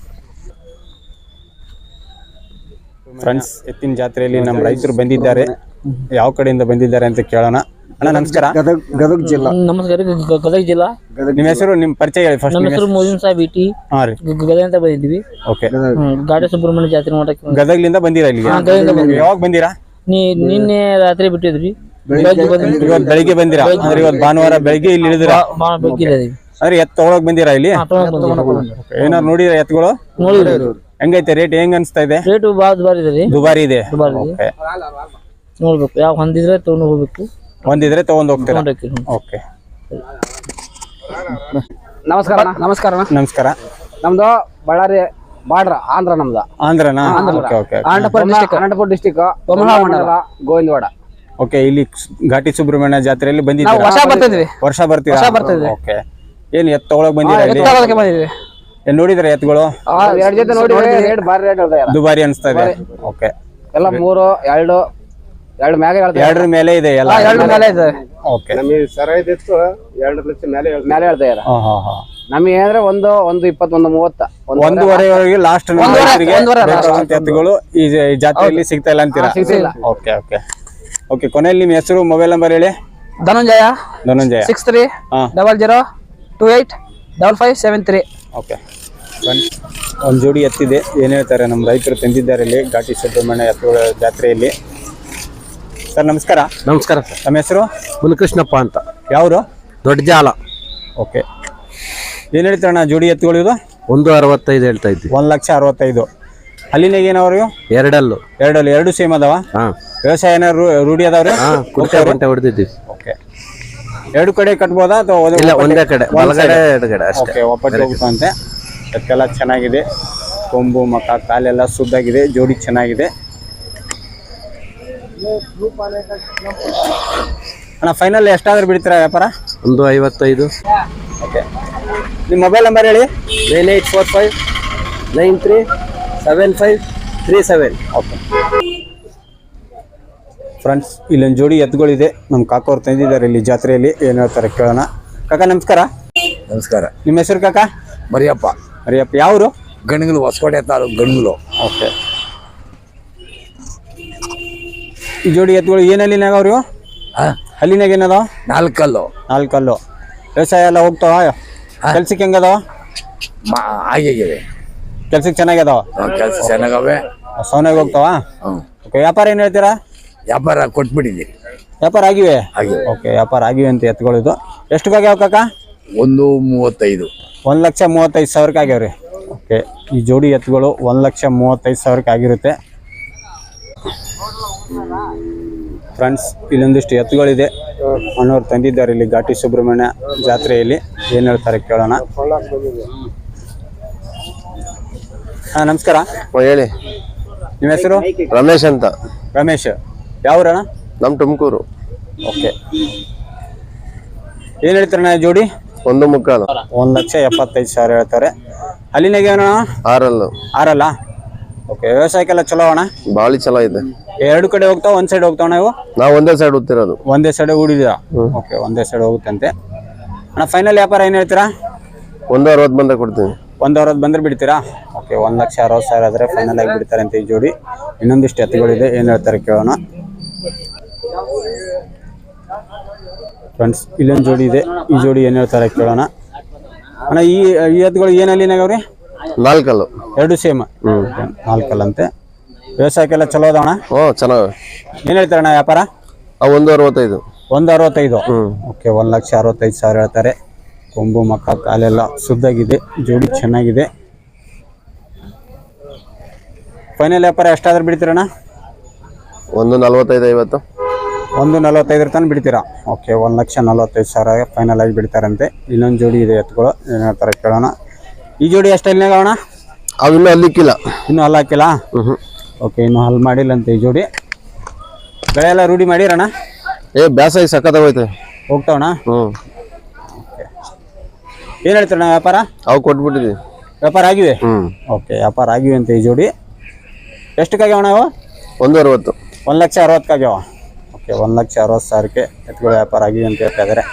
A: ಫ್ರೆಂಡ್ಸ್, ಎತ್ತಿನ ಜಾತ್ರೆಯಲ್ಲಿ ನಮ್ಮ ರೈತರು ಬಂದಿದ್ದಾರೆ. ಯಾವ ಕಡೆಯಿಂದ ಬಂದಿದ್ದಾರೆ ಅಂತ ಕೇಳೋಣ. ಅಣ್ಣ ನಮಸ್ಕಾರ.
E: ಗದಗ ಗದಗ ಜಿಲ್ಲಾ.
F: ನಮಸ್ಕಾರ. ಗ- ಗದಗ ಜಿಲ್ಲಾ.
A: ನಿಮ್ಮ ಹೆಸರು, ನಿಮ್ಮ ಪರಿಚಯ ಹೇಳಿ ಫಸ್ಟ್.
F: ನಮ್ಮ ಹೆಸರು ಮೋಜಿನ್ ಸಾಹೇಬ್ ಇಟಿ.
A: ಹಾಂ ರೀ.
F: ಗ- ಗದಗ ಅಂತ ಬಂದಿದ್ವಿ.
A: ಓಕೆ.
F: ಹ್ಮ್. ಘಾಟಿ ಸುಬ್ರಹ್ಮಣ್ಯ ಜಾತ್ರೆ ನೋಡಕ್ಕೆ ಬಂದ್ವಿ.
A: ಗದಗ್ಲಿಂದ ಬಂದಿರಾ ಇಲ್ಲಿಗೆ?
F: ಹಾ, ಗದಗ್ಲಿಂದ ಬಂದ್ವಿ.
A: ಯಾವಾಗ ಬಂದಿರಾ?
F: ನೀ ನಿನ್ನೆ ರಾತ್ರಿ ಬಿಟ್ಟಿದ್ರಿ. ಬೆಳಗ್ಗೆ ಬಂದ್ವಿ.
A: ಇವತ್ತು ಬೆಳಿಗ್ಗೆ ಬಂದಿರಾ? ಅಂದ್ರೆ ಇವತ್ತು ಭಾನುವಾರ ಬೆಳಿಗ್ಗೆ ಇಲ್ಲಿ ಇಳಿದಿರಾ?
F: ಬಾ- ಭಾಳ ಬೆಳಗ್ಗೆ ಇದ್ದೀವಿ.
A: ಅಂದ್ರೆ ಎತ್ತು ತಗೊಳಕ್ ಬಂದಿರಾ ಇಲ್ಲಿ?
F: ಹಾ, ತಗೊಂಡ್ ಬಂದ್ವಿ.
A: ಏನಾರು ನೋಡಿರ ಎತ್ತುಗಳು?
F: ನೋಡಿದ್ರಿ.
A: ಹೆಂಗೈತೆ ರೇಟ್? ಹೆಂಗ್ ಅನ್ಸ್ತಾ ಇದೆ?
F: ರೇಟು ಭಾಳ ದುಬಾರಿ ಇದೆ ರೀ.
A: ದುಬಾರಿ ಇದೆ.
F: ದುಬಾರಿ ಇದೆ.
A: ಓಕೆ.
F: ನೋಡ್ಬೇಕು. ಯಾವ ಹೊಂದಿದ್ರೆ ತಗೊಂಡು ಹೋಗ್ಬೇಕು.
A: ಒಂದಿದ್ರೆ ತಗೊಂಡ್ ಹೋಗ್ತೀರಾ?
F: ತಗೊಂಡೋಗ್ತೀವಿ. ಹ್ಮ್.
A: ಓಕೆ.
E: ನಮಸ್ಕಾರ ನಮಸ್ಕಾರ
A: ನಮಸ್ಕಾರ.
E: ನಮ್ದು ಬಳ್ಳಾರಿ ಬಾರ್ಡ್ರ ಆಂಧ್ರ ನಮ್ದು.
A: ಆಂಧ್ರನಾ? Okay okay
E: Anantapur district Anantapur district Bommala mandal Govindawada.
A: Okay, ಇಲ್ಲಿ ಘಾಟಿ ಸುಬ್ರಹ್ಮಣ್ಯ ಜಾತ್ರೆಯಲ್ಲಿ
F: ನಾವು
A: ಬಂದಿದ್ದೀರಾ?
F: ವರ್ಷ ಬರ್ತಿದ್ವಿ.
A: ವರ್ಷ ಬರ್ತೀರಾ?
F: ವರ್ಷ ಬರ್ತಿದ್ವಿ.
A: ಓಕೆ, ಏನ್ ಎತ್ತು ತಗೊಳಕ್ ಬಂದಿರಾ ಇಲ್ಲಿ?
F: ಎತ್ತುಗಳಕ್ಕೆ ಬಂದಿದ್ವಿ.
A: ಏನ್ ನೋಡಿದ್ರ ಎತ್ತುಗಳು?
E: ಎರಡು ಜೊತೆ ನೋಡಿ ರೇಟ್ ಬಾರಿ ರೇಟ್ ಹೇಳ್ತಾರೆ.
A: ದುಬಾರಿ ಅನ್ಸ್ತಾ ಇದೆ. ಓಕೆ,
E: ಎಲ್ಲ ಮೂರು ಎರಡು ಎರಡು ಮ್ಯಾಗ ಹೇಳ್ತಾರೆ.
A: ಎರಡರ ಮೇಲೆ ಇದೆ ಎಲ್ಲ?
F: ಎರಡು ಮೇಲೆ ಇದೆ.
A: ಓಕೆ,
E: ನಮಗೆ ಸರೈದಿತ್ತು ಎರಡು ಲಕ್ಷ ಮೇಲೆ ಮೇಲೆ ಹೇಳ್ತಾ ಇದ್ದಾರೆ.
A: ಹಾ ಹಾ ಹಾ
E: ನಮಗೆ ಅಂದ್ರೆ ಒಂದು ಒಂದು ಇಪ್ಪತ್ತೊಂದು ಮೂವತ್ತ
A: ಒಂದೂವರೆವರೆಗೆ ಲಾಸ್ಟ್
F: ಒಂದೂವರೆ
A: ಎತ್ತುಗಳು ಈ ಜ- ಈ ಜಾತ್ರೆಯಲ್ಲಿ ಸಿಗ್ತಾ ಇಲ್ಲ ಅಂತೀರಾ?
E: ಸಿಗ್ತಿಲ್ಲ.
A: ಓಕೆ ಓಕೆ ಓಕೆ ಕೊನೆಯಲ್ಲಿ ನಿಮ್ಮ ಹೆಸರು ಮೊಬೈಲ್ ನಂಬರ್ ಹೇಳಿ.
F: ಧನಂಜಯ
A: ಧನಂಜಯ.
F: ಸಿಕ್ಸ್ ತ್ರೀ
A: ಹಾ
F: double zero two eight double five seven three.
A: Okay, ಒಂದು ಜೋಡಿ ಎತ್ತಿದೆ. ಏನು ಹೇಳ್ತಾರೆ ನಮ್ಮ ರೈತರು ತಂದಿದ್ದಾರೆ ಇಲ್ಲಿ ಘಾಟಿ ಸುಬ್ರಹ್ಮಣ್ಯ ಎತ್ತುಗಳ ಜಾತ್ರೆಯಲ್ಲಿ. ಸರ್ ನಮಸ್ಕಾರ.
D: ನಮಸ್ಕಾರ ಸರ್.
A: ನಮ್ಮ ಹೆಸರು?
D: ಮುನಿಕೃಷ್ಣಪ್ಪ ಅಂತ.
A: ಯಾವರು?
D: ದೊಡ್ಡ ಜಾಲ.
A: ಓಕೆ, ಏನು ಹೇಳ್ತಾರಣ್ಣ ಜೋಡಿ ಎತ್ತುಗಳು ಇದು?
D: ಒಂದು ಅರವತ್ತೈದು ಹೇಳ್ತಾ ಇದ್ವಿ.
A: ಒಂದು ಲಕ್ಷ ಅರವತ್ತೈದು. ಅಲ್ಲಿನಾಗ ಏನವ್ರು?
D: ಎರಡಲ್ಲು.
A: ಎರಡಲ್ಲಿ ಎರಡು ಸೇಮ್ ಅದಾವ?
D: ಹಾಂ.
A: ವ್ಯವಸಾಯ ಏನಾರು ರೂಢಿ ಅದಾವ್ರಿ?
D: ಹಾಂ, ಕುರ್ಚೆ ಗಂಟೆ ಹೊಡೆದಿದ್ದೀವಿ.
A: ಓಕೆ, ಎರಡು ಕಡೆ ಕಟ್ಬೋದಾ ಅಥವಾ ಒಂದೇ-
D: ಇಲ್ಲ, ಒಂದೇ ಕಡೆ,
A: ಒಂದ್
D: ಬಲಗಡೆ
A: side?
D: ಎಡಗಡೆ ಅಷ್ಟೇ.
A: ಓಕೆ, ಒಪ್ಪಟ್ಟು ಹೋಗುತ್ತಂತೆ. ಎತ್ತೆಲ್ಲ ಚೆನ್ನಾಗಿದೆ, ಕೊಂಬು ಮಕ ಕಾಲೆಲ್ಲ ಸುದ್ದಾಗಿದೆ, ಜೋಡಿ ಚೆನ್ನಾಗಿದೆ ಅಣ್ಣ. ಫೈನಲ್ ಎಷ್ಟಾದ್ರೂ ಬಿಡ್ತೀರಾ ವ್ಯಾಪಾರ?
D: ಒಂದು ಐವತ್ತೈದು.
A: ಓಕೆ, ನಿಮ್ಮ ಮೊಬೈಲ್ ನಂಬರ್ ಹೇಳಿ.
D: Nine eight four five nine three seven five three seven.
A: Okay friends, ಇಲ್ಲೊಂದು ಜೋಡಿ ಎತ್ತುಗಳಿದೆ. ನಮ್ಮ ಕಾಕೋರು ತಂದಿದ್ದಾರೆ ಇಲ್ಲಿ ಜಾತ್ರೆಯಲ್ಲಿ. ಏನು ಹೇಳ್ತಾರೆ ಕೇಳೋಣ. ಕಾಕ ನಮಸ್ಕಾರ.
C: ನಮಸ್ಕಾರ.
A: ನಿಮ್ಮ ಹೆಸರು ಕಾಕ?
C: ಮರಿಯಪ್ಪ.
A: ಮರಿಯಪ್ಪ. ಯಾವರು?
C: ಗಣಗಲು, ಹೊಸಕೋಟೆ ತಾಲೂಕು ಗಣಗಲು.
A: ಓಕೆ, ಈ ಜೋಡಿ ಎತ್ತುಗಳು ಏನಲ್ಲಿನಾಗ ಅವ್ರು? ಅಲ್ಲಿನಾಗ ಏನದಾವ?
C: ನಾಲ್ಕಲ್ಲು.
A: ನಾಲ್ಕಲ್ಲು. ವ್ಯವಸಾಯ ಎಲ್ಲ ಹೋಗ್ತಾವ? ಕೆಲ್ಸಕ್ಕೆ ಹೆಂಗದಾವ?
C: ಹಾಗೆ
A: ಕೆಲ್ಸಕ್ಕೆ ಚೆನ್ನಾಗ್ಯದಾವ?
C: ಕೆಲಸ ಚೆನ್ನಾಗವೆ.
A: ಸೌನಾಗ ಹೋಗ್ತಾವ?
C: ಹ್ಞೂ.
A: ಓಕೆ, ವ್ಯಾಪಾರ ಏನು ಹೇಳ್ತೀರಾ?
C: ವ್ಯಾಪಾರ ಕೊಟ್ಬಿಟ್ಟಿದ್ದೀರಿ.
A: ವ್ಯಾಪಾರ ಆಗಿವೆ?
C: ಆಗಿವೆ.
A: ಓಕೆ, ವ್ಯಾಪಾರ ಆಗಿವೆ ಅಂತ ಎತ್ತುಗಳು ಇದು. ಎಷ್ಟು ಆಗ್ಯಾವ ಕಾಕ?
C: ಒಂದು ಮೂವತ್ತೈದು.
A: ಒಂದು ಲಕ್ಷ ಮೂವತ್ತೈದು ಸಾವಿರಕ್ಕೆ ಆಗ್ಯಾವ್ರಿ. ಓಕೆ, ಈ ಜೋಡಿ ಎತ್ತುಗಳು ಒಂದು ಲಕ್ಷ ಮೂವತ್ತೈದು ಸಾವಿರಕ್ಕೆ ಆಗಿರುತ್ತೆ. ಫ್ರೆಂಡ್ಸ್, ಇಲ್ಲೊಂದಿಷ್ಟು ಎತ್ತುಗಳಿದೆ. ಅಣ್ಣವ್ರು ತಂದಿದ್ದಾರೆ ಇಲ್ಲಿ ಘಾಟಿ ಸುಬ್ರಹ್ಮಣ್ಯ ಜಾತ್ರೆಯಲ್ಲಿ. ಏನು ಹೇಳ್ತಾರೆ ಕೇಳೋಣ. ಹಾಂ ನಮಸ್ಕಾರ.
D: ಹೇಳಿ.
A: ನಿಮ್ಮ ಹೆಸರು?
D: ರಮೇಶ್ ಅಂತ.
A: ರಮೇಶ್. ಯಾವ್ರಣ್ಣ?
D: ನಮ್ಮ ತುಮಕೂರು.
A: ಓಕೆ, ಏನು ಹೇಳ್ತಾರಣ್ಣ ಜೋಡಿ?
D: ಒಂದು ಮುಕ್ಕಾಲು.
A: ಒಂದು ಲಕ್ಷ ಎಪ್ಪತ್ತೈದು ಸಾವಿರ ಹೇಳ್ತಾರೆ. ಅಲ್ಲಿನಾಗ ಏನಣ್ಣ?
D: ಆರಲ್ಲು.
A: ಆರಲ್ಲ? ಓಕೆ, ವ್ಯವಸಾಯಕ್ಕೆಲ್ಲ ಚಲೋ ಅಣ್ಣ?
D: ಬಾಳಿ ಚಲೋ ಇದೆ.
A: ಎರಡು ಕಡೆ ಹೋಗ್ತಾವ, ಒಂದು ಸೈಡ್ ಹೋಗ್ತಾವ? ನಾವು
D: ನಾವು ಒಂದೇ ಸೈಡ್ ಓದ್ತಿರೋದು.
A: ಒಂದೇ ಸೈಡ್ ಹೂಡಿದ್ದೀರಾ? ಓಕೆ, ಒಂದೇ ಸೈಡ್ ಹೋಗುತ್ತಂತೆ. ಅಣ್ಣ ಫೈನಲ್ ವ್ಯಾಪಾರ ಏನು ಹೇಳ್ತೀರಾ?
D: ಒಂದು ಅರವತ್ತು ಬಂದ ಕೊಡ್ತೀನಿ.
A: ಒಂದು ಅರವತ್ತು ಬಂದ್ರೆ ಬಿಡ್ತೀರಾ? ಓಕೆ, ಒಂದು ಲಕ್ಷ ಅರವತ್ತು ಸಾವಿರ ಆದರೆ ಫೈನಲ್ ಆಗಿ ಬಿಡ್ತಾರೆ ಅಂತ ಈ ಜೋಡಿ. ಇನ್ನೊಂದಿಷ್ಟು ಎತ್ತುಗಳಿದೆ. ಏನು ಹೇಳ್ತಾರೆ ಕೇಳೋಣ. ಫ್ರೆಂಡ್ಸ್, ಇಲ್ಲೊಂದು ಜೋಡಿ ಇದೆ. ಈ ಜೋಡಿ ಏನು ಹೇಳ್ತಾರೆ ಕೇಳೋಣ. ಅಣ್ಣ ಈ ಈ ಎತ್ತುಗಳು ಏನಲ್ಲಿನಾಗವ್ರಿ?
D: ನಾಲ್ಕಲ್ಲು.
A: ಎರಡು ಸೇಮ್? ಹ್ಞೂ, ನಾಲ್ಕಲ್ಲಂತೆ. ವ್ಯವಸಾಯಕ್ಕೆಲ್ಲ ಚಲೋ ಅದಾವಣ್ಣ?
D: ಹ್ಞೂ, ಚೆನ್ನಾಗಿ.
A: ಏನು ಹೇಳ್ತಾರಣ್ಣ ವ್ಯಾಪಾರ?
D: ಒಂದು ಅರವತ್ತೈದು.
A: ಒಂದು ಅರವತ್ತೈದು. ಓಕೆ, ಒಂದು ಲಕ್ಷ ಅರವತ್ತೈದು ಸಾವಿರ ಹೇಳ್ತಾರೆ. ಕೊಂಬು ಮಕ್ಕ ಕಾಲೆಲ್ಲ ಸುದ್ದಾಗಿದೆ, ಜೋಡಿ ಚೆನ್ನಾಗಿದೆ. ಫೈನಲ್ ವ್ಯಾಪಾರ ಎಷ್ಟಾದ್ರೂ ಬಿಡ್ತೀರಣ್ಣ?
D: ಒಂದು ನಲ್ವತ್ತೈದು ಐವತ್ತು.
A: ಒಂದು ನಲ್ವತ್ತೈದರ ತನಕ ಬಿಡ್ತೀರಾ? ಓಕೆ, ಒಂದು ಲಕ್ಷ ನಲ್ವತ್ತೈದು ಸಾವಿರ ಫೈನಲ್ ಆಗಿ ಬಿಡ್ತಾರಂತೆ. ಇನ್ನೊಂದು ಜೋಡಿ ಇದೆ ಎತ್ತುಗಳು. ಏನು ಹೇಳ್ತಾರೆ ಕೇಳೋಣ. ಈ ಜೋಡಿ ಎಷ್ಟಲ್ಲಿನಾಗ ಅಣ್ಣ?
D: ಅವು ಇನ್ನೂ ಅಲ್ಲಿಕ್ಕಿಲ್ಲ.
A: ಇನ್ನೂ ಹಲ್ಲು ಹಾಕಿಲ್ಲ?
D: ಹ್ಞೂ.
A: ಓಕೆ, ಇನ್ನೂ ಹಲ್ಲು ಮಾಡಿಲ್ಲ ಅಂತ ಈ ಜೋಡಿ. ಬೆಳೆ ಎಲ್ಲ ರೂಢಿ ಮಾಡಿರಣ್ಣ?
D: ಏ ಬ್ಯಾಸಾಗಿ ಸಖತ್ತಾಗೋಯ್ತು.
A: ಹೋಗ್ತಾವಣ್ಣ?
D: ಹ್ಞೂ.
A: ಏನು ಹೇಳ್ತಾರಣ್ಣ ವ್ಯಾಪಾರ?
D: ಅವು ಕೊಟ್ಬಿಟ್ಟಿದ್ದೀವಿ.
A: ವ್ಯಾಪಾರ ಆಗಿವೆ?
D: ಹ್ಞೂ.
A: ಓಕೆ, ವ್ಯಾಪಾರ ಆಗಿವೆ ಅಂತ ಈ ಜೋಡಿ. ಎಷ್ಟಕ್ಕಾಗ್ಯಾವಣ್ಣ ಅವು?
D: ಒಂದು ಅರವತ್ತು.
A: ಒಂದು ಲಕ್ಷ ಅರವತ್ತಕ್ಕಾಗ್ಯಾವ. ಓಕೆ, ಒಂದು ಲಕ್ಷ ಅರವತ್ತು ಸಾವಿರಕ್ಕೆ ಎತ್ತುಗಳು ವ್ಯಾಪಾರ ಆಗಿವೆ ಅಂತ ಹೇಳ್ತಾ ಇದ್ದಾರೆ.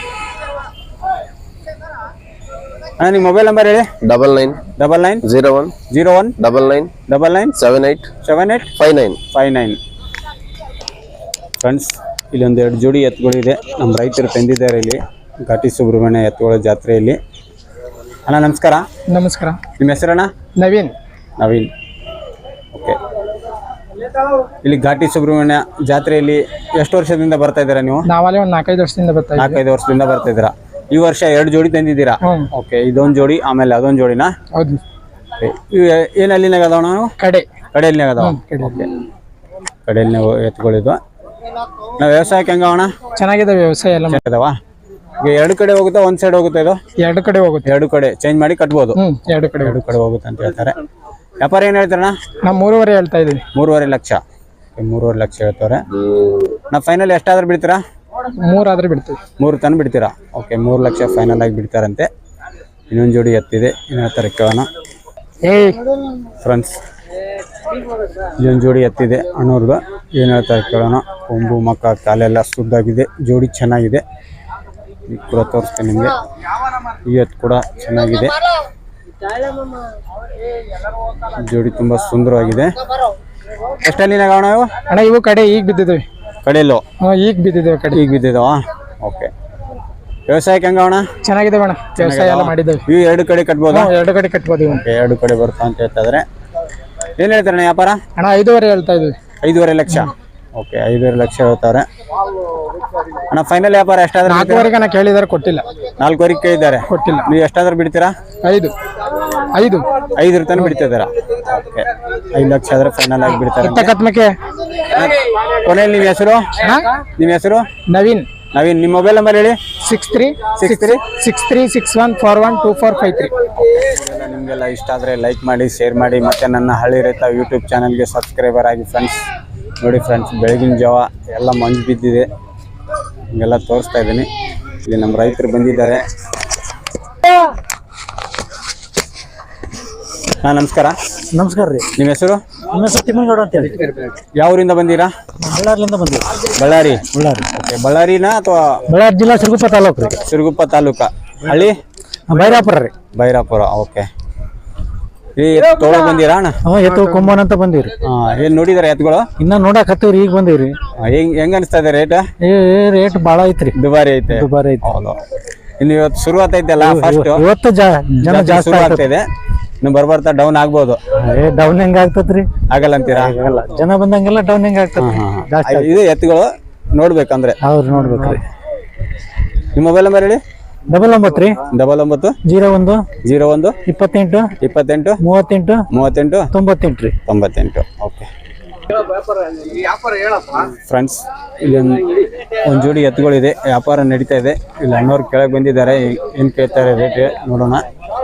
A: ಅಣ್ಣ ನಿಮ್ಮ ಮೊಬೈಲ್ ನಂಬರ್ ಹೇಳಿ.
D: Double nine
A: double nine
D: zero one
A: zero one
D: double nine
A: double nine
D: seven eight
A: seven eight
D: five nine
A: five nine. Friends, ಇಲ್ಲೊಂದು ಎರಡು ಜೋಡಿ ಎತ್ತುಗಳಿದೆ. ನಮ್ಮ ರೈತರು ತಂದಿದ್ದಾರೆ ಇಲ್ಲಿ ಘಾಟಿ ಸುಬ್ರಹ್ಮಣ್ಯ ಎತ್ತುಗಳ ಜಾತ್ರೆಯಲ್ಲಿ. ಅಣ್ಣ ನಮಸ್ಕಾರ.
F: ನಮಸ್ಕಾರ.
A: ನಿಮ್ಮ ಹೆಸರಣ್ಣ?
F: ನವೀನ್.
A: ನವೀನ್. ಓಕೆ, ಇಲ್ಲಿ ಘಾಟಿ ಸುಬ್ರಹ್ಮಣ್ಯ ಜಾತ್ರೆಯಲ್ಲಿ ಎಷ್ಟು ವರ್ಷದಿಂದ ಬರ್ತಾ ಇದ್ದೀರಾ ನೀವು?
F: ನಾವಲ್ಲಿ ಒಂದು ನಾಲ್ಕೈದು ವರ್ಷದಿಂದ ಬರ್ತಾ
A: ನಾಲ್ಕೈದು ವರ್ಷದಿಂದ ಬರ್ತಾ ಇದ್ದೀರಾ. ಈ ವರ್ಷ ಎರಡು ಜೋಡಿ ತಂದಿದ್ದೀರಾ? ಓಕೆ, ಇದೊಂದು ಜೋಡಿ ಆಮೇಲೆ ಅದೊಂದು ಜೋಡಿನಾ?
F: ಹೌದು.
A: ಇವು ಏನು ಅಲ್ಲಿನಾಗ ಅದಾವ? ನಾವು
F: ಕಡೆ
A: ಕಡೆಯಲ್ಲಿನಾಗ ಅದಾವ? ಓಕೆ, ಕಡೆಯಲ್ಲಿ ನಾವು ಎತ್ಕೊಳ್ಳಿದ್ವು. ನಾವು ವ್ಯವಸಾಯಕ್ಕೆ ಹೆಂಗವಣ?
F: ಚೆನ್ನಾಗಿದೆ ವ್ಯವಸಾಯ ಎಲ್ಲ
A: ಅದಾವ? ಈಗ ಎರಡು ಕಡೆ ಹೋಗುತ್ತಾ ಒಂದ್ ಸೈಡ್ ಹೋಗುತ್ತೆ ಇದು?
E: ಎರಡು ಕಡೆ ಹೋಗುತ್ತೆ.
A: ಎರಡು ಕಡೆ ಚೇಂಜ್ ಮಾಡಿ ಕಟ್ಬೋದು.
E: ಹ್ಮ್ ಎರಡು ಕಡೆ
A: ಎರಡು ಕಡೆ ಹೋಗುತ್ತೆ ಅಂತ ಹೇಳ್ತಾರೆ. ವ್ಯಾಪಾರ ಏನ್ ಹೇಳ್ತಾರಣ್ಣ?
E: ನಾವು ಮೂರುವರೆ ಹೇಳ್ತಾ ಇದೀವಿ.
A: ಮೂರುವರೆ ಲಕ್ಷ. ಮೂರುವರೆ ಲಕ್ಷ ಹೇಳ್ತಾರೆ. ನಾ ಫೈನಲ್ ಎಷ್ಟಾದ್ರೂ ಬಿಡ್ತೀರಾ?
E: ಮೂರಾದ್ರೆ ಬಿಡ್ತೀವಿ.
A: ಮೂರು ತನಕ ಬಿಡ್ತೀರಾ? ಓಕೆ, ಮೂರು ಲಕ್ಷ ಫೈನಲ್ ಆಗಿ ಬಿಡ್ತಾರಂತೆ. ಇನ್ನೊಂದು ಜೋಡಿ ಎತ್ತಿದೆ, ಏನು ಹೇಳ್ತಾರೆ ಕೇಳೋಣ. ಫ್ರೆಂಡ್ಸ್, ಇಲ್ಲೊಂದು ಜೋಡಿ ಎತ್ತಿದೆ ಅಣ್ಣವ್ರದ್ದು, ಏನು ಹೇಳ್ತಾರೆ ಕೇಳೋಣ. ಕೊಂಬು ಮಕ್ಕ ಕಾಲೆಲ್ಲ ಸುದ್ದಾಗಿದೆ, ಜೋಡಿ ಚೆನ್ನಾಗಿದೆ. ಈಗ ಕೂಡ ತೋರಿಸ್ತೇನೆ ನಿಮಗೆ. ಈ ಎತ್ತು ಕೂಡ ಚೆನ್ನಾಗಿದೆ, ಜೋಡಿ ತುಂಬ ಸುಂದರವಾಗಿದೆ. ಎಷ್ಟಲ್ಲಿ ಕಾರಣ ಇವು
E: ಅಣ್ಣ? ಇವು ಕಡೆ ಈಗ ಬಿದ್ದಿದ್ವಿ.
A: ಕಡೆಯಲ್ಲೋ?
E: ಹಾಂ ಈಗ ಬಿದ್ದಿದ್ದೇವೆ ಕಡೆ.
A: ಈಗ ಬಿದ್ದಿದ್ದಾವ? ಓಕೆ. ವ್ಯವಸಾಯಕ್ಕೆ ಹೆಂಗ ಅಣ್ಣ?
E: ಚೆನ್ನಾಗಿದೆ ಅಣ್ಣ, ವ್ಯವಸಾಯ ಎಲ್ಲ ಮಾಡಿದ್ದೇವೆ.
A: ಇವು ಎರಡು ಕಡೆ ಕಟ್ಬೋದು?
E: ಎರಡು ಕಡೆ ಕಟ್ಬೋದು.
A: ಎರಡು ಕಡೆ ಬರ್ತಾ ಅಂತ ಹೇಳ್ತಾ ಇದ್ರೆ. ಏನು ಹೇಳ್ತಾರೆ ವ್ಯಾಪಾರ?
E: ಅಣ್ಣ ಐದೂವರೆ ಹೇಳ್ತಾ ಇದ್ವಿ.
A: ಐದೂವರೆ ಲಕ್ಷ. ಓಕೆ, ಐದೂವರೆ ಲಕ್ಷ ಹೇಳ್ತಾರೆ ಅಣ್ಣ. ಫೈನಲ್ ವ್ಯಾಪಾರ ಎಷ್ಟಾದ್ರೂ?
E: ನಾಲ್ಕುವರೆಗೆ ನಾ ಕೇಳಿದಾರೆ, ಕೊಟ್ಟಿಲ್ಲ.
A: ನಾಲ್ಕುವರೆಗೆ ಕೇಳಿದ್ದಾರೆ,
E: ಕೊಟ್ಟಿಲ್ಲ.
A: ನೀವು ಎಷ್ಟಾದ್ರೂ ಬಿಡ್ತೀರಾ?
E: ಐದು ಐದು
A: ಐದರ ತನಕ ಬಿಡ್ತಿದ್ದೀರಾ? ಓಕೆ, ಐದು ಲಕ್ಷ ಆದ್ರೆ ಫೈನಲ್ ಆಗಿ ಬಿಡ್ತಾರೆ.
E: ಕತ್ಮಕ್ಕೆ
A: ಕೊನೆಯಲ್ಲಿ ನಿಮ್ಮ ಹೆಸರು? ನಿಮ್ಮ ಹೆಸರು?
E: ನವೀನ್.
A: ನವೀನ್, ನಿಮ್ಮ ಮೊಬೈಲ್ ನಂಬರ್ ಹೇಳಿ.
E: Six three
A: six three
E: six three six one four one two four five three.
A: ನಿಮಗೆಲ್ಲ ಇಷ್ಟ ಆದರೆ ಲೈಕ್ ಮಾಡಿ, ಶೇರ್ ಮಾಡಿ, ಮತ್ತು ನನ್ನ ಹಳ್ಳಿ ರೈತ ಯೂಟ್ಯೂಬ್ ಚಾನಲ್ಗೆ ಸಬ್ಸ್ಕ್ರೈಬರ್ ಆಗಿ ಫ್ರೆಂಡ್ಸ್. ನೋಡಿ ಫ್ರೆಂಡ್ಸ್, ಬೆಳಗಿನ ಜಾವ ಎಲ್ಲ ಮಂಜು ಬಿದ್ದಿದೆ, ಹಿಂಗೆಲ್ಲ ತೋರಿಸ್ತಾ ಇದ್ದೀನಿ. ಇಲ್ಲಿ ನಮ್ಮ ರೈತರು ಬಂದಿದ್ದಾರೆ. ಹಾಂ, ನಮಸ್ಕಾರ.
B: ನಮಸ್ಕಾರ ರೀ.
A: ನಿಮ್ಮ ಹೆಸರು?
B: ನಮ್ಮ ಹೆಸರು ತಿಮ್ಮನಗೌಡ ಅಂತೇಳಿ.
A: ಯಾವ ಊರಿಂದ ಬಂದೀರಾ?
B: ಬಳ್ಳಾರಿಯಿಂದ ಬಂದಿವಿ.
A: ಬಳ್ಳಾರಿ?
B: ಬಳ್ಳಾರಿ.
A: ಓಕೆ, ಬಳ್ಳಾರಿನಾ ಅಥವಾ?
B: ಬಳ್ಳಾರಿ ಜಿಲ್ಲಾ ಸಿರುಗುಪ್ಪ ತಾಲೂಕು ರೀ.
A: ಸಿರುಗುಪ್ಪ ತಾಲೂಕಾ. ಹಳ್ಳಿ?
B: ಬೈರಾಪುರ ರೀ.
A: ಬೈರಾಪುರ. ಓಕೆ. ಈ ತೊಗೊಳಕ್ ಬಂದಿರಾ ಅಣ್ಣ?
B: ಹಾಂ, ಎತ್ತು ಕೊಂಬನ್ ಅಂತ ಬಂದಿವ್ರಿ.
A: ಹಾಂ, ಏನು ನೋಡಿದಾರೆ ಎತ್ತುಗಳು?
B: ಇನ್ನ ನೋಡಕ್ ಹತ್ತಿವ್ರಿ, ಈಗ ಬಂದಿವ್ರಿ.
A: ಹೆಂಗ್ ಹೆಂಗ್ ಅನಿಸ್ತಾ ಇದೆ ರೇಟ್?
B: ಏ ರೇಟ್ ಭಾಳ ಐತ್ರಿ,
A: ದುಬಾರಿ ಐತೆ.
B: ದುಬಾರಿ ಐತಿ.
A: ಹೌದು. ಇನ್ನು ಇವತ್ತು ಶುರುವಾತ ಐತಲ್ಲ, ಫಸ್ಟ್
B: ಇವತ್ತು ಜನ ಜಾಸ್ತಿ
A: ಶುರು ಆಗ್ತಾ ಇದೆ. ಇನ್ನು ಬರ್ಬರ್ತಾ ಡೌನ್ ಆಗ್ಬೋದು.
B: ಏ ಡೌನ್ ಹೆಂಗ ಆಗ್ತತ್ರಿ?
A: ಆಗಲ್ಲ ಅಂತೀರಾ?
B: ಆಗಲ್ಲ, ಜನ ಬಂದಂಗೆಲ್ಲ ಡೌನ್ ಹೆಂಗ ಆಗ್ತದ ಜಾಸ್ತಿ.
A: ಇದು ಎತ್ತುಗಳು ನೋಡ್ಬೇಕಂದ್ರೆ
B: ಅವ್ರು ನೋಡ್ಬೇಕ್ರಿ.
A: ನಿಮ್ಮ ಮೊಬೈಲ್ ನಂಬರ್ ಹೇಳಿ.
B: ಡಬಲ್ ಒಂಬತ್ತು ರೀ
A: ಡಬಲ್ ಒಂಬತ್ತು
B: ಜೀರೋ ಒಂದು
A: ಜೀರೋ ಒಂದು
B: ಇಪ್ಪತ್ತೆಂಟು
A: ಇಪ್ಪತ್ತೆಂಟು
B: ಮೂವತ್ತೆಂಟು
A: ಮೂವತ್ತೆಂಟು
B: ತೊಂಬತ್ತೆಂಟು ರೀ
A: ತೊಂಬತ್ತೆಂಟು. ಓಕೆ ಫ್ರೆಂಡ್ಸ್, ಇಲ್ಲಿ ಒಂದು ಒಂದು ಜೋಡಿ ಎತ್ತುಗಳಿದೆ, ವ್ಯಾಪಾರ ನಡೀತಾ ಇದೆ. ಇಲ್ಲಿ ಅಣ್ಣವ್ರು ಕೆಳಗೆ ಬಂದಿದ್ದಾರೆ, ಏನು ಕೇಳ್ತಾರೆ ರೇಟ್ ನೋಡೋಣ.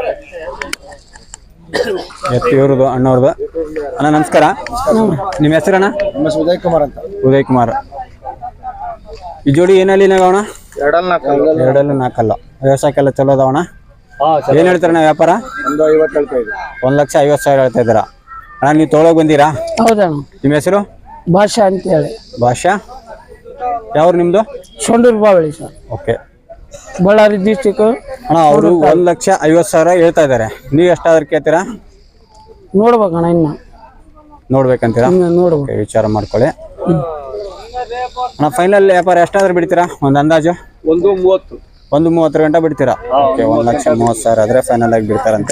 A: ಎತ್ತು ಇವ್ರದ್ದು, ಅಣ್ಣವ್ರದ್ದು. ಅಣ್ಣ ನಮಸ್ಕಾರ. ನಿಮ್ಮ ಹೆಸರಣ್ಣ?
D: ಉದಯ್ ಕುಮಾರ್ ಅಂತ.
A: ಉದಯ್ ಕುಮಾರ್. ಈ ಜೋಡಿ ಏನಲ್ಲಿ ನಾಗವಣ?
D: ಎರಡಲ್ಲ
A: ಎರಡಲ್ಲೂ ನಾಲ್ಕಲ್ಲ. ವ್ಯವಸಾಯಕ್ಕೆಲ್ಲ ಚಲೋ ಅದಾವಣ? ಏನು ಹೇಳ್ತಾರಣ್ಣ ವ್ಯಾಪಾರ?
D: ಒಂದು ಐವತ್ತು ಹೇಳ್ತಾ ಇದೆ.
A: ಒಂದು ಲಕ್ಷ ಐವತ್ತು ಸಾವಿರ ಹೇಳ್ತಾ ಇದ್ದೀರಾ ಅಣ್ಣ. ನೀವು ತೊಗೊಳಕ್ ಬಂದೀರಾ?
F: ಹೌದಣ್ಣ.
A: ನಿಮ್ಮ ಹೆಸರು?
F: ಭಾಷಾ ಅಂತ ಹೇಳಿ.
A: ಭಾಷಾ? ಯಾವ್ರು ನಿಮ್ಮದು?
F: Sandur Bavali sir.
A: Okay.
F: Ballari district.
A: ಅಣ್ಣ ಅವರು ಒಂದು ಲಕ್ಷ ಐವತ್ತು ಸಾವಿರ ಹೇಳ್ತಾ ಇದ್ದಾರೆ, ನೀವು ಎಷ್ಟಾದ್ರೂ ಕೇಳ್ತೀರಾ?
F: ನೋಡ್ಬೇಕಣ್ಣ, ಇನ್ನು
A: ನೋಡ್ಬೇಕಂತೀರಾ?
F: ನೋಡ್ಬೇಕು.
A: ಓಕೆ, ವಿಚಾರ ಮಾಡ್ಕೊಳ್ಳಿ ಅಣ್ಣ. ಫೈನಲ್ ವ್ಯಾಪಾರ ಎಷ್ಟಾದ್ರೂ ಬಿಡ್ತೀರಾ? ಒಂದು ಅಂದಾಜು?
D: ಒಂದು ಮೂವತ್ತು
A: ಒಂದು ಮೂವತ್ತರ ಗಂಟೆ ಬಿಡ್ತೀರಾ? ಓಕೆ, ಒಂದು ಲಕ್ಷ ಮೂವತ್ತು ಸಾವಿರ ಆದರೆ ಫೈನಲ್ ಆಗಿ ಬಿಡ್ತಾರಂತೆ.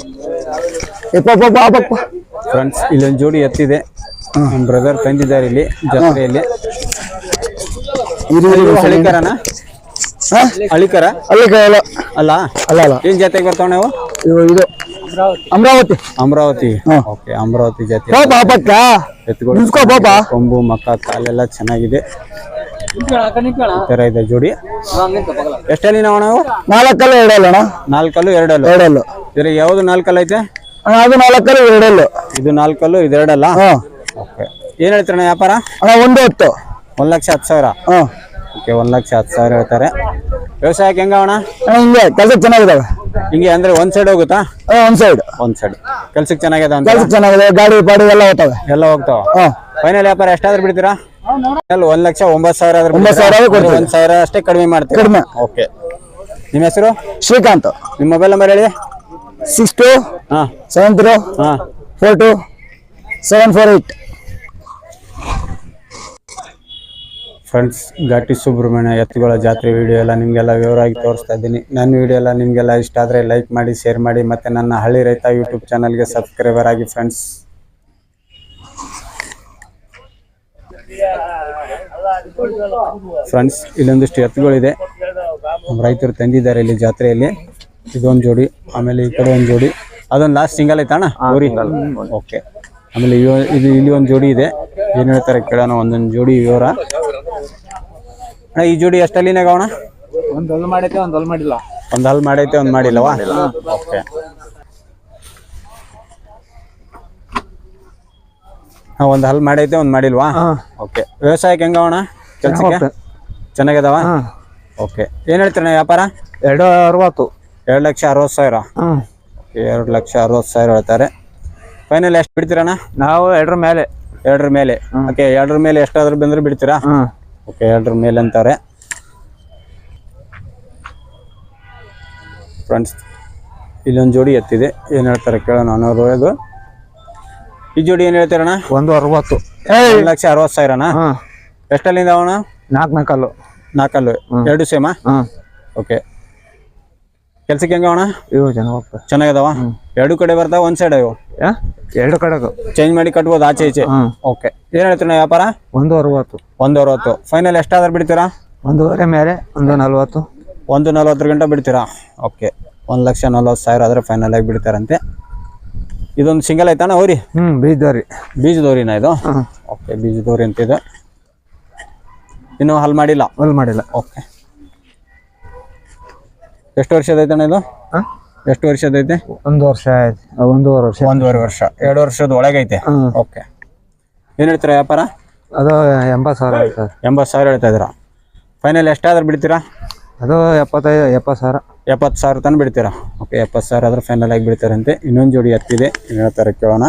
A: ಫ್ರೆಂಡ್ಸ್, ಇಲ್ಲೊಂದು ಜೋಡಿ ಎತ್ತಿದೆ, ನಮ್ಮ ಬ್ರದರ್ ತಂದಿದ್ದಾರೆ ಇಲ್ಲಿ ಜಾತ್ರೆಯಲ್ಲಿ. ಹಳಿಕರನ? ಹಳಿಕರ
B: ಅಲ್ಲ
A: ಅಲ್ಲ
B: ಅಲ್ಲ ಅಲ್ಲ
A: ಏನ್ ಜಾತಿಗೆ ಬರ್ತಾವ ನಾವು?
B: ಇದು ಅಮರಾವತಿ.
A: ಅಮರಾವತಿ. ಓಕೆ, ಅಮರಾವತಿ ಜಾತಿ ಎತ್ತುಗಳು. ಕೊಂಬು ಮಕ್ಕ ಕಾಲೆಲ್ಲ ಚೆನ್ನಾಗಿದೆ, ಈ ತರ ಇದೆ ಜೋಡಿ. ಎಷ್ಟಲ್ಲಿ ನಾವು ನಾವು?
B: ನಾಲ್ಕಲ್ಲು ಎರಡಲ್ಲ ಅಣ್ಣ.
A: ನಾಲ್ಕಲ್ಲು ಎರಡಲ್ಲು?
B: ಎರಡಲ್ಲು.
A: ಇದ್ರ ಯಾವ್ದು ನಾಲ್ಕಲ್ಲ ಐತೆ?
B: ಅದು ನಾಲ್ಕಲ್ಲು ಎರಡಲ್ಲು.
A: ಇದು ನಾಲ್ಕಲ್ಲು, ಇದು ಎರಡಲ್ಲ? ಓಕೆ. ಏನ್ ಹೇಳ್ತಾರಣ್ಣ ವ್ಯಾಪಾರ?
B: ಅಣ್ಣ ಒಂದು ಹತ್ತು.
A: ಒಂದ್ ಲಕ್ಷ ಹತ್ತು ಸಾವಿರ. ಓಕೆ, ಒಂದ್ ಲಕ್ಷ ಹತ್ತು ಸಾವಿರ ಹೇಳ್ತಾರೆ. ವ್ಯವಸಾಯಕ್ಕೆ ಹೆಂಗ ಅಣ್ಣ?
B: ಹಿಂಗೆ ಕೆಲ್ಸಕ್ಕೆ ಚೆನ್ನಾಗಿದಾವೆ.
A: ಹಿಂಗೆ ಅಂದ್ರೆ ಒಂದ್ ಸೈಡ್ ಹೋಗುತ್ತಾ?
B: ಒಂದ್ ಸೈಡ್
A: ಒಂದ್ ಸೈಡ್ ಕೆಲ್ಸಕ್ಕೆ ಚೆನ್ನಾಗಿದೆ ಅಂತ?
B: ಕೆಲ್ಸಕ್ಕೆ ಚೆನ್ನಾಗಿದೆ, ಗಾಡಿ ಪಾಡಿ ಎಲ್ಲ ಹೋಗ್ತವೆ.
A: ಎಲ್ಲ ಹೋಗ್ತಾವ. ಫೈನಲ್ ವ್ಯಾಪಾರ ಎಷ್ಟಾದ್ರೂ ಬಿಡ್ತೀರಾ? ಒಂದ್ ಲಕ್ಷ ಒಂಬತ್ತು ಸಾವಿರ ಆದ್ರೆ
B: ಒಂಬತ್ತು ಸಾವಿರ
A: ಒಂದ್ ಸಾವಿರ ಅಷ್ಟೇ ಕಡಿಮೆ ಮಾಡ್ತೀವಿ.
B: ಕಡಿಮೆ.
A: ಓಕೆ. ನಿಮ್ಮ ಹೆಸರು?
B: ಶ್ರೀಕಾಂತ್.
A: ನಿಮ್ಮ ಮೊಬೈಲ್ ನಂಬರ್ ಹೇಳಿ.
B: ಸಿಕ್ಸ್ ಟು
A: ಹಾ
B: ಸೆವೆನ್ ತ್ರೀ
A: ಹಾ
B: four two seven four eight.
A: Friends, Ghati Subrahmanya ಎತ್ತುಗಳ ಜಾತ್ರೆ ವಿಡಿಯೋ ಎಲ್ಲ ನಿಮಗೆಲ್ಲ ವಿವರವಾಗಿ ತೋರಿಸ್ತಾ ಇದ್ದೀನಿ. ನನ್ನ ವಿಡಿಯೋ ಎಲ್ಲ ನಿಮಗೆಲ್ಲ ಇಷ್ಟ ಆದರೆ ಲೈಕ್ ಮಾಡಿ, ಶೇರ್ ಮಾಡಿ, ಮತ್ತು ನನ್ನ ಹಳ್ಳಿ ರೈತ ಯೂಟ್ಯೂಬ್ ಚಾನಲ್ಗೆ ಸಬ್ಸ್ಕ್ರೈಬರ್ ಆಗಿ ಫ್ರೆಂಡ್ಸ್. ಫ್ರೆಂಡ್ಸ್, ಇಲ್ಲೊಂದಿಷ್ಟು ಎತ್ತುಗಳಿದೆ, ನಮ್ಮ ರೈತರು ತಂದಿದ್ದಾರೆ ಇಲ್ಲಿ ಜಾತ್ರೆಯಲ್ಲಿ. ಇದೊಂದು ಜೋಡಿ, ಆಮೇಲೆ ಈ ಕಡೆ ಒಂದು ಜೋಡಿ, ಅದೊಂದು ಲಾಸ್ಟ್ ಸಿಂಗಲ್ ಐತಣ್ಣ ಊರಿ? ಓಕೆ. ಆಮೇಲೆ ಇದು ಇಲ್ಲಿ ಒಂದು ಜೋಡಿ ಇದೆ, ಏನು ಹೇಳ್ತಾರೆ ಕೇಳೋಣ ಒಂದೊಂದು ಜೋಡಿ ವಿವರ. ಅಣ್ಣ, ಈ ಜೋಡಿ ಎಷ್ಟಲ್ಲಿನಾಗ ಅವಣ?
E: ಒಂದ್ ಹೊಲ್ ಮಾಡೈತೆ ಒಂದ್ ಹೊಲ್ ಮಾಡಿಲ್ಲ.
A: ಒಂದು ಹಲ್ ಮಾಡೈತೆ ಒಂದು ಮಾಡಿಲ್ಲವಾ? ಓಕೆ. ಹಾಂ, ಒಂದು ಹಲ್ ಮಾಡೈತೆ ಒಂದು ಮಾಡಿಲ್ವಾ? ಓಕೆ. ವ್ಯವಸಾಯಕ್ಕೆ ಹೆಂಗವಣ ಕೆಲಸಕ್ಕೆ? ಚೆನ್ನಾಗಿದಾವ? ಓಕೆ. ಏನು ಹೇಳ್ತೀರಣ್ಣ ವ್ಯಾಪಾರ?
B: ಎರಡು ಅರವತ್ತು.
A: ಎರಡು ಲಕ್ಷ ಅರವತ್ತು ಸಾವಿರ.
B: ಹ್ಮ್.
A: ಎರಡು ಲಕ್ಷ ಅರವತ್ತು ಸಾವಿರ ಹೇಳ್ತಾರೆ. ಫೈನಲ್ ಎಷ್ಟು ಬಿಡ್ತೀರಣ್ಣ?
B: ನಾವು ಎರಡರ ಮೇಲೆ.
A: ಎರಡರ ಮೇಲೆ. ಓಕೆ. ಎರಡರ ಮೇಲೆ ಎಷ್ಟಾದ್ರೂ ಬಂದ್ರೆ ಬಿಡ್ತೀರಾ?
B: ಹ್ಮ್.
A: ಓಕೆ. ಎರಡರ ಮೇಲೆ ಅಂತಾರೆ ಫ್ರೆಂಡ್ಸ್. ಇಲ್ಲೊಂದು ಜೋಡಿ ಎತ್ತಿದೆ, ಏನು ಹೇಳ್ತಾರೆ ಕೇಳೋಣ. ಅನ್ನೋರು ಇದು ಈ ಜೋಡಿ ಏನು ಹೇಳ್ತೀರಣ್ಣ?
B: ಒಂದು ಅರವತ್ತು.
A: ಒಂದು ಲಕ್ಷ ಅರವತ್ತು ಸಾವಿರನಾ? ಎಷ್ಟಲ್ಲಿಂದ ಅವಣ?
B: ನಾಲ್ಕು ನಾಲ್ಕಲ್ಲು.
A: ನಾಲ್ಕಲ್ಲು. ಎರಡು ಸೇಮಾ?
B: ಹಾಂ.
A: ಓಕೆ. ಕೆಲ್ಸಕ್ಕೆ ಹೆಂಗ ಅಣ್ಣ?
B: ಇವು ಚೆನ್ನಾಗಿ
A: ಚೆನ್ನಾಗಿದಾವ? ಎರಡು ಕಡೆ ಬರ್ತಾವ ಒಂದು ಸೈಡ್ ಇವು?
B: ಎರಡು ಕಡೆಗೂ
A: ಚೇಂಜ್ ಮಾಡಿ ಕಟ್ಬೋದು ಆಚೆ ಈಚೆ? ಓಕೆ. ಏನು ಹೇಳ್ತೀರಣ್ಣ ವ್ಯಾಪಾರ?
B: ಒಂದು ಅರವತ್ತು.
A: ಒಂದು ಅರವತ್ತು. ಫೈನಲ್ ಎಷ್ಟಾದ್ರೂ ಬಿಡ್ತೀರಾ?
B: ಒಂದೂವರೆ ಮೇಲೆ ಒಂದು ನಲ್ವತ್ತು.
A: ಒಂದು ನಲ್ವತ್ತರ ಗಂಟೆ ಬಿಡ್ತೀರಾ? ಓಕೆ. ಒಂದು ಲಕ್ಷ ನಲ್ವತ್ತು ಸಾವಿರ ಆದರೆ ಫೈನಲ್ ಆಗಿ ಬಿಡ್ತಾರಂತೆ. ಇದೊಂದು ಸಿಂಗಲ್ ಆಯ್ತಾನ ಅವ್ರಿ?
B: ಹ್ಞೂ. ಬೀಜದವ್ರಿ.
A: ಬೀಜದವ್ರಿನ ಇದು? ಓಕೆ. ಬೀಜದವ್ರಿ ಅಂತಿದೆ. ಇನ್ನೂ ಹಲ್ ಮಾಡಿಲ್ಲ?
B: ಹಲ್ ಮಾಡಿಲ್ಲ.
A: ಓಕೆ. ಎಷ್ಟು ವರ್ಷದೈತಣ್ಣ ಇದು? ಎಷ್ಟು ವರ್ಷದೈತೆ?
B: ಒಂದು ವರ್ಷ ಆಯ್ತು. ಒಂದೂವರೆ ವರ್ಷ.
A: ಒಂದೂವರೆ ವರ್ಷ. ಎರಡು ವರ್ಷದ ಒಳಗೈತೆ. ಓಕೆ. ಏನು ಹೇಳ್ತೀರಾ ವ್ಯಾಪಾರ?
B: ಅದು ಎಂಬತ್ತು ಸಾವಿರ ಆಯ್ತು.
A: ಎಂಬತ್ತು ಸಾವಿರ ಹೇಳ್ತಾ ಇದ್ದೀರಾ? ಫೈನಲ್ ಎಷ್ಟಾದ್ರೂ ಬಿಡ್ತೀರಾ?
B: ಅದು ಎಪ್ಪತ್ತೈದು ಎಪ್ಪತ್ತು ಸಾವಿರ.
A: ಎಪ್ಪತ್ತು ಸಾವಿರ ತನಕ ಬಿಡ್ತೀರಾ? ಓಕೆ. ಎಪ್ಪತ್ತು ಸಾವಿರ ಆದ್ರೆ ಫೈನಲ್ ಆಗಿ ಬಿಡ್ತಾರಂತೆ. ಇನ್ನೊಂದು ಜೋಡಿ ಎತ್ತಿದೆ, ಏನು ಹೇಳ್ತಾರೆ ಕೇಳೋಣ.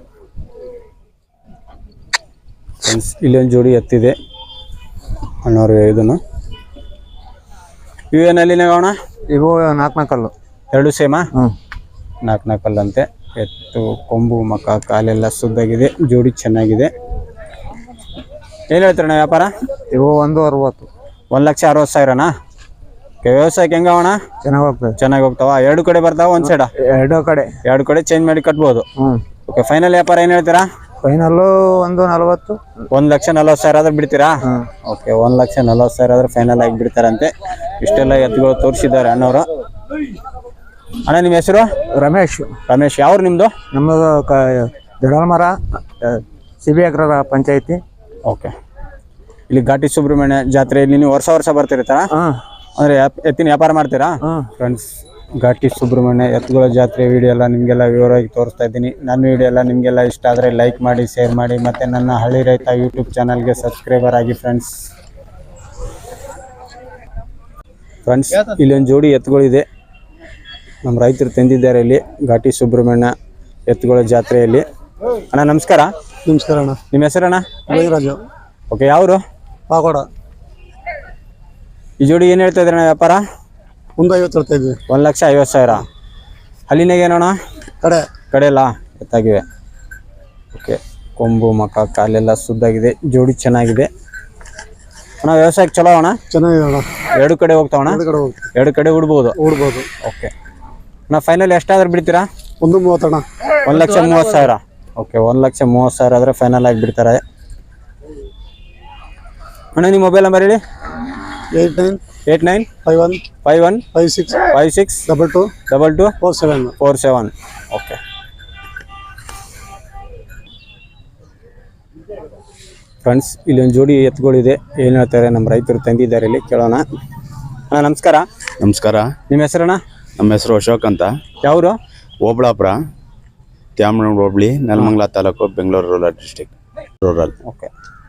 A: ಇಲ್ಲೊಂದು ಜೋಡಿ ಎತ್ತಿದೆ ಅಣ್ಣವ್ರು ಇದನ್ನು. ಇವೇನಲ್ಲಿ ಅಣ್ಣ?
B: ಇವು ನಾಲ್ಕು ನಾಲ್ಕಲ್ಲು.
A: ಎರಡು ಸೇಮಾ?
B: ಹ್ಞೂ.
A: ನಾಲ್ಕು ನಾಲ್ಕಲ್ಲಂತೆ. ಎತ್ತು ಕೊಂಬು ಮಕ ಕಾಲೆಲ್ಲ ಸುದ್ದಾಗಿದೆ, ಜೋಡಿ ಚೆನ್ನಾಗಿದೆ. ಏನು ಹೇಳ್ತೀರಣ್ಣ ವ್ಯಾಪಾರ?
B: ಇವು ಒಂದು ಅರವತ್ತು.
A: ಒಂದು ಲಕ್ಷ ಅರವತ್ತು ಸಾವಿರನಾ? ಓಕೆ. ವ್ಯವಸಾಯಕ್ಕೆ ಹೆಂಗವಣ?
B: ಚೆನ್ನಾಗಿ ಹೋಗ್ತದೆ.
A: ಚೆನ್ನಾಗಿ ಹೋಗ್ತಾವ? ಎರಡು ಕಡೆ ಬರ್ತಾವ ಒಂದು ಸೈಡ?
B: ಎರಡು ಕಡೆ.
A: ಎರಡು ಕಡೆ ಚೇಂಜ್ ಮಾಡಿ ಕಟ್ಬೋದು?
B: ಹ್ಞೂ.
A: ಓಕೆ. ಫೈನಲ್ ವ್ಯಾಪಾರ ಏನು ಹೇಳ್ತೀರಾ?
B: ಫೈನಲ್ಲು ಒಂದು ನಲ್ವತ್ತು.
A: ಒಂದು ಲಕ್ಷ ನಲ್ವತ್ತು ಸಾವಿರ ಆದ್ರೆ ಬಿಡ್ತೀರಾ? ಓಕೆ. ಒಂದು ಲಕ್ಷ ನಲ್ವತ್ತು ಸಾವಿರ ಆದ್ರೆ ಫೈನಲ್ ಆಗಿ ಬಿಡ್ತಾರಂತೆ. ಇಷ್ಟೆಲ್ಲ ಎತ್ತುಗಳು ತೋರಿಸಿದ್ದಾರೆ ಅಣ್ಣವರು. ಅಣ್ಣ ನಿಮ್ಮ ಹೆಸರು?
B: ರಮೇಶ್.
A: ರಮೇಶ್. ಯಾವ್ರು ನಿಮ್ಮದು? ನಮ್ಮದು
B: ಕ ದಡಾಲ್ಮರ ಸಿ ಬಿ ಅಗ್ರ ಪಂಚಾಯತಿ.
A: ಓಕೆ. ಇಲ್ಲಿ ಘಾಟಿ ಸುಬ್ರಹ್ಮಣ್ಯ ಜಾತ್ರೆಯಲ್ಲಿ ನೀವು ವರ್ಷ ವರ್ಷ ಬರ್ತಿರ್ತಾರ?
B: ಹಾಂ.
A: ಅಂದರೆ ಎತ್ತಿನ ವ್ಯಾಪಾರ ಮಾಡ್ತೀರಾ?
B: ಹಾಂ.
A: ಫ್ರೆಂಡ್ಸ್, ಘಾಟಿ ಸುಬ್ರಹ್ಮಣ್ಯ ಎತ್ತುಗಳ ಜಾತ್ರೆ ವಿಡಿಯೋ ಎಲ್ಲ ನಿಮಗೆಲ್ಲ ವಿವರವಾಗಿ ತೋರಿಸ್ತಾ ಇದ್ದೀನಿ. ನನ್ನ ವಿಡಿಯೋ ಎಲ್ಲ ನಿಮಗೆಲ್ಲ ಇಷ್ಟ ಆದರೆ ಲೈಕ್ ಮಾಡಿ, ಶೇರ್ ಮಾಡಿ, ಮತ್ತು ನನ್ನ ಹಳ್ಳಿ ರೈತ ಯೂಟ್ಯೂಬ್ ಚಾನಲ್ಗೆ ಸಬ್ಸ್ಕ್ರೈಬರ್ ಆಗಿ ಫ್ರೆಂಡ್ಸ್. ಫ್ರೆಂಡ್ಸ್, ಇಲ್ಲೊಂದು ಜೋಡಿ ಎತ್ತುಗಳಿದೆ, ನಮ್ಮ ರೈತರು ತಂದಿದ್ದಾರೆ ಇಲ್ಲಿ ಘಾಟಿ ಸುಬ್ರಹ್ಮಣ್ಯ ಎತ್ತುಗಳ ಜಾತ್ರೆಯಲ್ಲಿ. ಅಣ್ಣ ನಮಸ್ಕಾರ.
B: ನಮಸ್ಕಾರ ಅಣ್ಣ.
A: ನಿಮ್ಮ ಹೆಸರಣ್ಣ?
B: ರಾಜು.
A: ಓಕೆ. ಯಾವರು?
B: ಪಾಕೋಡ.
A: ಈ ಜೋಡಿ ಏನು ಹೇಳ್ತಾ ಇದ್ರಣ್ಣ ವ್ಯಾಪಾರ?
B: ಒಂದು ಐವತ್ತು ಹೇಳ್ತಾ ಇದ್ವಿ.
A: ಒಂದು ಲಕ್ಷ ಐವತ್ತು ಸಾವಿರ. ಹಲ್ಲಿನಾಗ ಏನೋಣ?
B: ಕಡೆ
A: ಕಡೆಯಲ್ಲ ಎತ್ತಾಗಿವೆ. ಓಕೆ. ಕೊಂಬು ಮಕ ಕಾಲೆಲ್ಲ ಸುದ್ದಾಗಿದೆ, ಜೋಡಿ ಚೆನ್ನಾಗಿದೆ. ಅಣ್ಣ ವ್ಯವಸಾಯಕ್ಕೆ ಚಲೋ ಅಣ್ಣ?
B: ಚೆನ್ನಾಗಿದೆ ಅಣ್ಣ.
A: ಎರಡು ಕಡೆ ಹೋಗ್ತಾವಣ್ಣ?
B: ಎರಡು ಕಡೆ ಹೋಗ್ತೀವಿ.
A: ಎರಡು ಕಡೆ ಉಡ್ಬೋದು?
B: ಉಡ್ಬೋದು.
A: ಓಕೆ. ಅಣ್ಣ ಫೈನಲ್ ಎಷ್ಟಾದ್ರೂ ಬಿಡ್ತೀರಾ?
B: ಒಂದು ಮೂವತ್ತಣ್ಣ.
A: ಒಂದು ಲಕ್ಷ ಮೂವತ್ತು ಸಾವಿರ. ಓಕೆ. ಒಂದು ಲಕ್ಷ ಮೂವತ್ತು ಸಾವಿರ ಆದರೆ ಫೈನಲ್ ಆಗಿ ಬಿಡ್ತಾರೆ. ಅಣ್ಣ ನಿಮ್ಮ ಮೊಬೈಲ್ ನಂಬರ್ ಹೇಳಿ.
B: Eight nine
A: eight nine
B: five one
A: five one
B: five six
A: five six
B: double two
A: double two
B: four seven
A: four seven. Okay. Friends, ಇಲ್ಲೊಂದು ಜೋಡಿ ಎತ್ತುಗಳಿದೆ, ಏನು ಹೇಳ್ತಾರೆ ನಮ್ಮ ರೈತರು ತಂದಿದ್ದಾರೆ ಇಲ್ಲಿ, ಕೇಳೋಣ. ಅಣ್ಣ ನಮಸ್ಕಾರ.
G: ನಮಸ್ಕಾರ.
A: ನಿಮ್ಮ ಹೆಸರಣ್ಣ?
G: ನಮ್ಮ ಹೆಸರು ಅಶೋಕ್ ಅಂತ.
A: ಯಾವರು?
G: Obalapura, Tyamanur hobli, Nelamangala taluk, Bengaluru rural district. Rural.
A: Okay.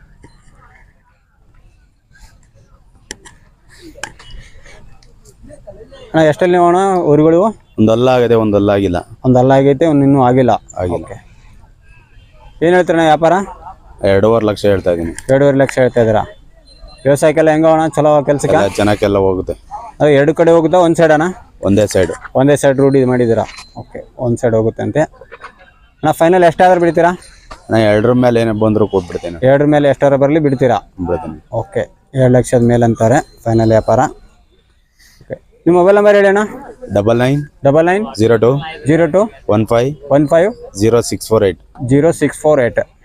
A: ಅಣ್ಣ ಎಷ್ಟಲ್ಲಿ ನೀವು ಅಣ್ಣ ಊರುಗಳು?
G: ಒಂದು ಅಲ್ಲ ಆಗಿದೆ, ಒಂದು ಅಲ್ಲ ಆಗಿಲ್ಲ.
A: ಒಂದು ಅಲ್ಲ ಆಗೈತೆ, ಒಂದು ಇನ್ನೂ ಆಗಿಲ್ಲ.
G: ಆಗಿಲ್ಲ.
A: ಓಕೆ. ಏನು ಹೇಳ್ತೀರಣ್ಣ ವ್ಯಾಪಾರ?
G: ಎರಡೂವರೆ ಲಕ್ಷ ಹೇಳ್ತಾ ಇದ್ದೀನಿ.
A: ಎರಡೂವರೆ ಲಕ್ಷ ಹೇಳ್ತಾ ಇದ್ದೀರಾ? ವ್ಯವಸಾಯಕ್ಕೆಲ್ಲ ಹೆಂಗ ಅಣ್ಣ ಚಲೋ ಕೆಲಸಕ್ಕೆ?
G: ಜನಕ್ಕೆಲ್ಲ ಹೋಗುತ್ತೆ.
A: ಅದು ಎರಡು ಕಡೆ ಹೋಗುತ್ತಾ ಒಂದು ಸೈಡ್ ಅಣ್ಣ?
G: ಒಂದೇ ಸೈಡು.
A: ಒಂದೇ ಸೈಡ್ ರೂಢಿ ಮಾಡಿದ್ದೀರಾ? ಓಕೆ. ಒಂದು ಸೈಡ್ ಹೋಗುತ್ತೆ ಅಂತೆ. ಅಣ್ಣ ಫೈನಲ್ ಎಷ್ಟಾದ್ರೂ ಬಿಡ್ತೀರಾ?
G: ನಾನು ಎರಡರ ಮೇಲೆ ಏನೇ ಬಂದರೂ ಕೊಟ್ಬಿಡ್ತೇನೆ.
A: ಎರಡರ ಮೇಲೆ ಎಷ್ಟಾದ್ರೂ ಬರಲಿ ಬಿಡ್ತೀರಾ?
G: ಬಿಡ್ತೀನಿ.
A: ಓಕೆ. ಎರಡು ಲಕ್ಷದ ಮೇಲೆ ಅಂತಾರೆ ಫೈನಲ್ ವ್ಯಾಪಾರ. ಓಕೆ. ನಿಮ್ಮ ಮೊಬೈಲ್ ನಂಬರ್ ಹೇಳಿ ಅಣ್ಣ.
G: Double nine
A: double nine
G: zero two
A: zero two
G: one five
A: one five
G: zero six four eight
A: zero six four eight